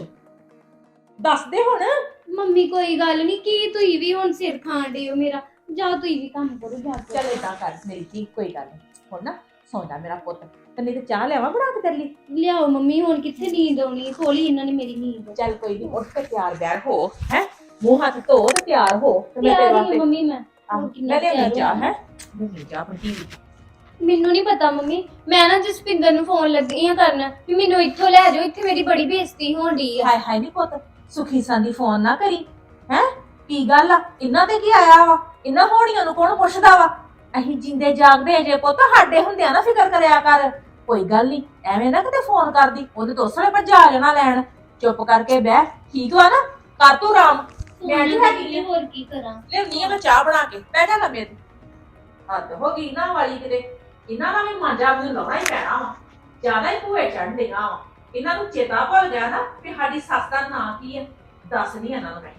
[SPEAKER 1] ਦੱਸ ਦੇ ਹੁਣ
[SPEAKER 3] ਮੰਮੀ ਕੋਈ ਗੱਲ ਨਹੀਂ ਕੀ ਤੁਸੀਂ ਵੀ ਹੁਣ ਸਿਰ ਖਾਣ ਡਏ ਹੋ ਮੇਰਾ ਜਾ ਤੁਸੀਂ ਵੀ ਕੰਮ ਕਰੋ ਜਾ ਕੇ।
[SPEAKER 1] ਚੱਲ ਏਦਾਂ ਕਰ ਮੇਰੀ ਧੀ ਕੋਈ ਗੱਲ ਨਹੀਂ ਹੁਣ ਨਾ ਸੌਂ ਜਾ ਮੇਰਾ ਪੁੱਤ ਤੇ ਨਹੀਂ ਤੇ ਚਾਹ ਲਿਆਵਾਂ ਬਣਾ ਕੇ ਤੇਰੇ ਲਈ
[SPEAKER 3] ਲਿਆਓ ਮੰਮੀ ਹੁਣ ਕਿੱਥੇ ਨੀਂਦ ਆਉਣੀ ਖੋਲੀ ਇਹਨਾਂ ਨੇ ਮੇਰੀ ਨੀਂਦ
[SPEAKER 1] ਚੱਲ ਕੋਈ ਨਹੀਂ ਉੱਠ ਕੇ ਤਿਆਰ ਬਿਆਰ ਹੋ ਹੈ ਮੂੰਹ ਹੱਥ ਧੋ ਤੇ ਤਿਆਰ ਹੋ ਤੇ ਮੈਂ ਤੇਰੇ
[SPEAKER 3] ਤਿਆਰ ਹੀ
[SPEAKER 1] ਵਾਸਤੇ
[SPEAKER 3] ਆ ਮੰਮੀ ਮੈਂ
[SPEAKER 1] ਆਹ,
[SPEAKER 3] ਹੋਰ ਕਿੰਨਾ
[SPEAKER 1] ਮੈਂ ਲਿਆਉਣੀ
[SPEAKER 3] ਤਿਆਰ
[SPEAKER 1] ਚਾਹ
[SPEAKER 3] ਹੋਣਾ।
[SPEAKER 1] ਹੈ ਲਿਆਉਣੀ ਚਾਹ ਆਪਣੀ ਧੀ ਲਈ।
[SPEAKER 3] ਮੈਨੂੰ ਨਹੀਂ ਪਤਾ ਮੰਮੀ ਮੈਂ ਨਾ ਜਸਪਿੰਦਰ ਨੂੰ ਫੋਨ ਲੱਗੀ ਆ ਕਰਨ ਵੀ ਮੈਨੂੰ ਇੱਥੋਂ ਲੈ ਜਾਓ ਇੱਥੇ ਮੇਰੀ ਬੜੀ ਬੇਇੱਜ਼ਤੀ ਹੋਣ ਡਈ ਆ
[SPEAKER 1] ਹਾਏ ਹਾਏ ਨਹੀਂ ਪੁੱਤ ਸੁਖੀ ਸੰਦੀ ਫੋਨ ਨਾ ਕਰੀ ਹੈ ਕੀ ਗੱਲ ਆ ਇਹਨਾਂ ਤੇ ਕੀ ਆਇਆ ਵਾ ਇਹਨਾਂ ਹੋਣੀਆਂ ਨੂੰ ਕੌਣ ਪੁੱਛਦਾ ਵਾ ਅਸੀਂ ਜਿੰਦੇ ਜਾਗਦੇ ਜੇ ਪੁੱਤ ਸਾਡੇ ਹੁੰਦਿਆਂ ਨਾ ਫਿਕਰ ਕਰਿਆ ਕਰ ਕੋਈ ਗੱਲ ਨਹੀਂ ਐਵੇਂ ਨਾ ਕਿਤੇ ਫੋਨ ਕਰਦੀ ਉਹਦੇ ਦੋਸਰੇ ਭੱਜਾ ਆ ਜਾਣਾ ਲੈਣ ਚੁੱਪ ਕਰਕੇ ਬਹਿ ਠੀਕ ਵਾ ਨਾ ਕਰ ਤੂੰ ਆਰਾਮ ਮੈਂ ਨਹੀਂ ਹੈਗੀ
[SPEAKER 3] ਹੋਰ ਕੀ ਕਰਾਂ
[SPEAKER 1] ਲਿਆਉਣੀ ਆ ਮੈਂ ਚਾਹ ਬਣਾ ਕੇ ਬਹਿ ਜਾ ਲੰਮੇ ਹੱਦ ਹੋ ਗਈ ਨਾ ਵਾਲੀ ਕਿਤੇ ਇਹਨਾਂ ਦਾ ਵੀ ਮਾਂਜਾ ਮੈਨੂੰ ਲਾਉਣਾ ਹੀ ਪੈਣਾ ਵਾ ਜ਼ਿਆਦਾ ਹੀ ਭੂਏ ਚੜ੍ਹ ਦੇਗਾ ਵਾ ਇਹਨਾਂ ਨੂੰ ਚੇਤਾ ਭੁੱਲ ਗਿਆ ਨਾ ਕਿ ਸਾਡੀ ਸੱਸ ਦਾ ਨਾਂ ਕੀ ਹੈ ਦੱਸ ਨਹੀਂ ਇਹਨਾਂ ਨੂੰ ਮੈਂ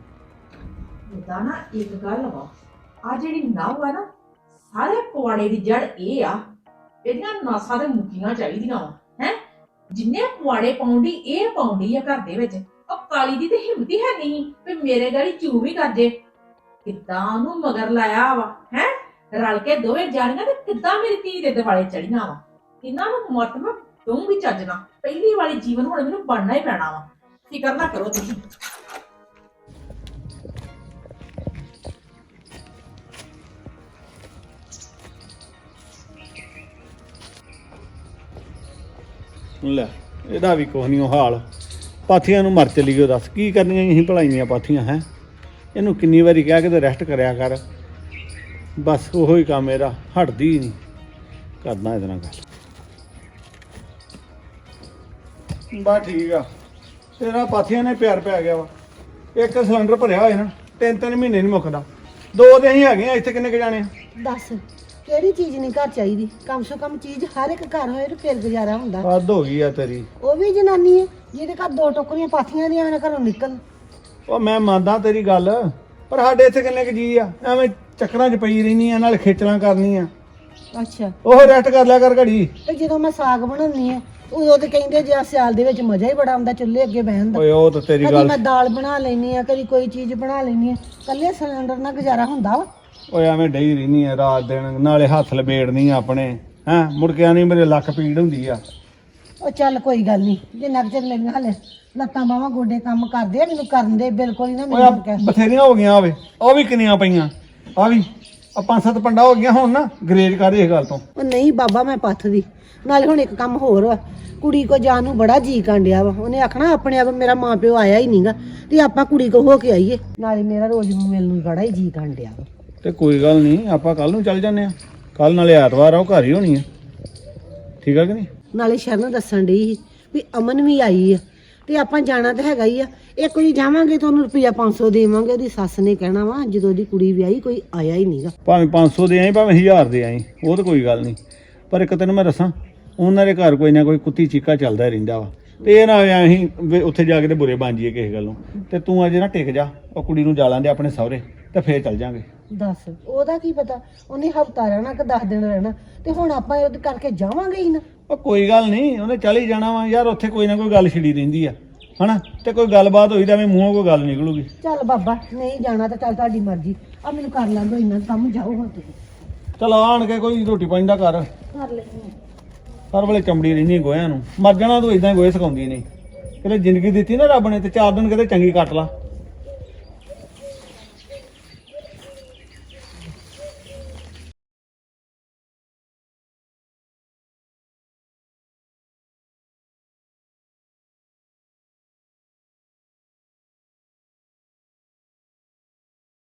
[SPEAKER 1] ਇਹਦਾ ਨਾ ਇੱਕ ਗੱਲ ਵਾ ਆ ਜਿਹੜੀ ਨਵ ਆ ਨਾ ਸਾਰੇ ਪਵਾੜੇ ਦੀ ਜੜ ਇਹ ਆ ਇਹਦੀਆਂ ਨਾਸਾਂ ਦੇ ਮੁੱਕੀਆਂ ਚਾਹੀਦੀਆਂ ਵਾ ਹੈ ਜਿੰਨੇ ਪਵਾੜੇ ਪਾਉਂਦੀ ਇਹ ਪਾਉਂਦੀ ਆ ਘਰ ਦੇ ਵਿੱਚ ਉਹ ਕਾਲੀ ਦੀ ਤੇ ਹਿੰਮਤ ਹੀ ਹੈ ਨਹੀਂ ਵੀ ਮੇਰੇ ਗਾੜੀ ਚੂ ਵੀ ਕਰ ਜੇ ਕਿੱਦਾਂ ਉਹਨੂੰ ਮਗਰ ਲਾਇਆ ਵਾ ਹੈ ਰਲ ਕੇ ਦੋਵੇਂ ਜਾਣੀਆਂ ਤੇ ਕਿੱਦਾਂ ਮੇਰੀ ਧੀ ਦੇ ਦਿਵਾਲੇ ਚੜੀਆਂ ਵਾ ਇਹਨਾਂ ਨੂੰ ਮਤ ਮੈਂ ਦਊਂਗੀ ਚੱਜਣਾ ਪਹਿਲੀ ਵਾਲੀ ਜੀਵਨ ਹੁਣ ਮੈਨੂੰ ਬਣਨਾ ਹੀ ਪੈਣਾ ਵਾ ਫਿਕਰ ਨਾ ਕਰੋ ਤੁਸੀਂ
[SPEAKER 7] ਲੈ ਇਹਦਾ ਵੀ ਕੁਛ ਨਹੀਂ ਉਹ ਹਾਲ ਪਾਥੀਆਂ ਨੂੰ ਮਰ ਚਲੀ ਗਈ ਦੱਸ ਕੀ ਕਰਨੀਆਂ ਅਸੀਂ ਭਲਾਈਆਂ ਪਾਥੀਆਂ ਹੈ ਇਹਨੂੰ ਕਿੰਨੀ ਵਾਰੀ ਕਿਹਾ ਕਿ ਤੇ ਰੈਸਟ ਕਰਿਆ ਕਰ ਬਸ ਉਹੋ ਹੀ ਕੰਮ ਇਹਦਾ ਹਟਦੀ ਹੀ ਨਹੀਂ ਕਰਨਾ ਇਹਦੇ ਨਾਲ ਗੱਲ ਬਸ ਠੀਕ ਆ ਤੇਰਾ ਪਾਥੀਆਂ ਨੇ ਪਿਆਰ ਪੈ ਗਿਆ ਵਾ ਇੱਕ ਸਿਲੰਡਰ ਭਰਿਆ ਹੋਇਆ ਨਾ ਤਿੰਨ ਤਿੰਨ ਮਹੀਨੇ ਨਹੀਂ ਮੁੱਕਦਾ ਦੋ ਤੇ ਅਸੀਂ ਹੈਗੇ ਆ ਇੱਥੇ ਕਿੰਨੇ ਕੁ ਜਾਣੇ ਆ
[SPEAKER 8] ਦੱਸ ਕਿਹੜੀ ਚੀਜ਼ ਨਹੀਂ ਘਰ ਚਾਹੀਦੀ ਕਮ ਸੇ ਕਮ ਚੀਜ਼ ਹਰ ਇੱਕ ਘਰ ਹੋਏ ਤੇ ਫਿਰ ਗੁਜ਼ਾਰਾ ਹੁੰਦਾ
[SPEAKER 7] ਹੱਦ ਹੋ ਗਈ ਆ ਤੇਰੀ
[SPEAKER 8] ਉਹ ਵੀ ਜਨਾਨੀ ਹੈ ਜਿਹਦੇ ਘਰ ਦੋ ਟੋਕਰੀਆਂ ਪਾਥੀਆਂ ਦੀਆਂ ਐਵੇਂ ਘਰੋਂ ਨਿਕਲ
[SPEAKER 7] ਉਹ ਮੈਂ ਮੰਨਦਾ ਤੇਰੀ ਗੱਲ ਪਰ ਸਾਡੇ ਇੱਥੇ ਕਿੰਨੇ ਕੁ ਜੀ ਆ ਐਵੇਂ ਚੱਕਰਾਂ 'ਚ ਪਈ ਰਹਿਨੀ ਆ ਨਾਲ ਖੇਚਲਾਂ ਕਰਨੀ ਆ
[SPEAKER 8] ਅੱਛਾ
[SPEAKER 7] ਉਹ ਰੈਸਟ ਕਰ ਲਿਆ ਕਰ ਘੜੀ
[SPEAKER 8] ਤੇ ਜਦੋਂ ਮੈਂ ਸਾਗ ਬਣਾਉਣੀ ਆ ਉਦੋਂ ਤੇ ਕਹਿੰਦੇ ਜੇ ਸਿਆਲ ਦੇ ਵਿੱਚ ਮਜ਼ਾ ਹੀ ਬੜਾ ਆਉਂਦਾ ਚੁੱਲ੍ਹੇ ਅੱਗੇ ਬਹਿਣ ਦਾ
[SPEAKER 7] ਓਏ ਉਹ ਤਾਂ ਤੇਰੀ
[SPEAKER 8] ਕਦੀ
[SPEAKER 7] ਗੱਲ
[SPEAKER 8] ਮੈਂ ਦਾਲ ਬਣਾ ਲੈਣੀ ਆ ਕਦੀ ਕੋਈ ਚੀਜ਼ ਬਣਾ ਲੈਣੀ ਆ ਕੱਲੇ ਸਿਲੰਡਰ ਨਾਲ ਗੁਜ਼ਾਰਾ ਹੁੰਦਾ ਵਾ
[SPEAKER 7] ਓਏ ਐਵੇਂ ਡਈ ਰਹਿਨੀ ਆ ਰਾਤ ਦਿਨ ਨਾਲੇ ਹੱਥ ਲਬੇੜਨੀ ਆ ਆਪਣੇ ਹੈਂ ਮੁੜਕਿਆ ਨਹੀਂ ਮੇਰੇ ਲੱਕ ਪੀੜ ਹੁੰਦੀ ਆ
[SPEAKER 8] ਉਹ ਚੱਲ ਕੋਈ ਗੱਲ ਨਹੀਂ ਜਿੰਨਾ ਕੁ ਚਿਰ ਮੇਰੀਆਂ ਹਲੇ ਲੱਤਾਂ ਬਾਹਾਂ ਗੋਡੇ ਕੰਮ ਕਰਦੇ ਆ ਮੈਨੂੰ ਕਰਨ ਦੇ ਬਿਲਕੁਲ ਹੀ ਨਾ
[SPEAKER 7] ਓਏ ਆਹ
[SPEAKER 8] ਮੈਨੂੰ ਕਹਿ
[SPEAKER 7] ਬਥੇਰੀਆਂ ਹੋ ਗਈਆਂ ਆਵੇ ਉਹ ਵੀ ਕਿੰਨੀਆਂ ਪਈਆਂ ਆ ਵੀ ਆ ਪੰਜ ਸੱਤ ਪੰਡਾ ਹੋ ਗਈਆਂ ਹੁਣ ਨਾ ਗਰੇਜ ਕਰ ਇਸ ਗੱਲ ਤੋਂ
[SPEAKER 8] ਉਹ ਨਹੀਂ ਬਾਬਾ ਮੈਂ ਪੱਥ ਦੀ ਨਾਲੇ ਹੁਣ ਇੱਕ ਕੰਮ ਹੋਰ ਵਾ ਕੁੜੀ ਕੋ ਜਾਣ ਨੂੰ ਬੜਾ ਜੀ ਕਾਂਡਿਆ ਵਾ। ਉਹਨੇ ਆਖਣਾ ਆਪਣੇ ਆਪ ਮੇਰਾ ਮਾਂ ਪਿਓ ਆਇਆ ਹੀ ਨਹੀਂਗਾ ਤੇ ਆਪਾਂ ਕੁੜੀ ਕੋ ਹੋ ਕੇ ਆਈਏ। ਨਾਲੇ ਮੇਰਾ ਰੋਜ਼ ਨੂੰ ਮਿਲਣ ਨੂੰ ਬੜਾ ਹੀ ਜੀ ਕਾਂਡਿਆ ਵਾ।
[SPEAKER 7] ਤੇ ਕੋਈ ਗੱਲ ਨਹੀਂ, ਆਪਾਂ ਕੱਲ ਨੂੰ ਚੱਲ ਜਾਂਦੇ ਆ। ਕੱਲ ਨਾਲੇ ਐਤਵਾਰ ਆ, ਉਹ ਘਰ ਹੀ ਹੋਣੀ ਆ। ਠੀਕ ਆ ਕਿ ਨਹੀਂ?
[SPEAKER 8] ਨਾਲੇ ਸ਼ਰਨ ਦੱਸਣ ਡਈ ਸੀ ਵੀ ਅਮਨ ਵੀ ਆਈ ਆ ਤੇ ਆਪਾਂ ਜਾਣਾ ਤਾਂ ਹੈਗਾ ਹੀ ਆ। ਇੱਕ ਵਾਰੀ ਜਾਵਾਂਗੇ ਤਾਂ ਉਹਨੂੰ ਰੁਪਈਆ ਪੰਜ ਸੌ ਦੇਵਾਂਗੇ। ਉਹਦੀ ਸੱਸ ਨੇ ਕਹਿਣਾ ਵਾ ਜਦੋਂ ਉਹਦੀ ਕੁੜੀ ਵਿਆਹੀ ਕੋਈ ਆਇਆ ਹੀ ਨਹੀਂਗਾ।
[SPEAKER 7] ਭਾਵੇਂ ਪੰਜ ਸੌ ਦੇ ਆਈ ਭਾਵੇਂ ਹਜ਼ਾਰ ਦੇ ਆਈ, ਉਹ ਤਾਂ ਕੋਈ ਗੱਲ ਨਹੀਂ। ਪਰ ਇੱਕ ਤੈਨੂੰ ਮੈਂ ਦੱਸਾਂ, ਉਹਨਾਂ ਦੇ ਘਰ ਕੋਈ ਨਾ ਕੋਈ ਕੁੱਤੀ ਚੀਕਾ ਚੱਲਦਾ ਰਹਿੰਦਾ ਵਾ। ਤੇ ਇਹ ਨਾ ਹੋਇਆ ਅਸੀਂ ਵੀ ਉੱਥੇ ਜਾ ਕੇ ਤੇ ਬੁਰੇ ਬਣ ਜਾਈਏ ਕਿਸੇ ਗੱਲੋਂ। ਤੇ ਤੂੰ ਅਜੇ ਨਾ ਟਿਕ ਜਾ, ਉਹ ਕੁੜੀ ਨੂੰ ਜਾਲਾਂ ਦੇ ਆਪਣੇ ਸਹੁਰੇ, ਤੇ ਫੇਰ ਚੱਲ ਜਾਾਂਗੇ।
[SPEAKER 8] ਦੱਸ ਉਹਦਾ ਕੀ ਪਤਾ, ਉਹਨੇ ਹਫਤਾ ਰਹਿਣਾ ਕਿ ਦਸ ਦਿਨ ਰਹਿਣਾ, ਤੇ ਹੁਣ ਆਪਾਂ ਉਹਦੇ ਕਰਕੇ ਜਾਵਾਂਗੇ ਹੀ ਨਾ।
[SPEAKER 7] ਉਹ ਕੋਈ ਗੱਲ ਨਹੀਂ, ਉਹਨੇ ਚੱਲ ਹੀ ਜਾਣਾ ਵਾ ਯਾਰ। ਉੱਥੇ ਕੋਈ ਨਾ ਕੋਈ ਗੱਲ ਛਿੜੀ ਰਹਿੰਦੀ ਆ ਹਨਾ, ਤੇ ਕੋਈ ਗੱਲਬਾਤ ਹੋਈ ਤਾਂ ਐਵੇਂ ਮੂੰਹੋਂ ਕੋਈ ਗੱਲ ਨਿਕਲੂਗੀ।
[SPEAKER 8] ਚੱਲ ਬਾਬਾ, ਨਹੀਂ ਜਾਣਾ ਤਾਂ ਚੱਲ ਤੁਹਾਡੀ ਮਰਜ਼ੀ। ਆ ਮੈਨੂੰ ਕਰ ਲੈਂਦੋ ਇੰਨਾ ਕੰਮ, ਜਾਓ ਹੁਣ ਤੁਸੀਂ।
[SPEAKER 7] ਚਲ ਆਣ ਕੇ ਕੋਈ ਰੋਟੀ ਪਾਣੀ ਦਾ ਕਰ
[SPEAKER 8] ਕਰ ਲੈਂਦੇ
[SPEAKER 7] ਹਰ ਵੇਲੇ ਚਮੜੀ ਰਹਿੰਦੀ ਗੋਹਿਆਂ ਨੂੰ। ਮਰ ਜਾਣਾ ਤੂੰ ਇਦਾਂ ਹੀ ਗੋਹੇ ਸਿਖਾਉਂਦੀ ਨਹੀਂ। ਕਿਤੇ ਜ਼ਿੰਦਗੀ ਦਿੱਤੀ ਨਾ ਰੱਬ ਨੇ, ਤੇ ਚਾਰ ਦਿਨ ਕਿਤੇ ਚੰਗੀ ਕੱਟ ਲਾ।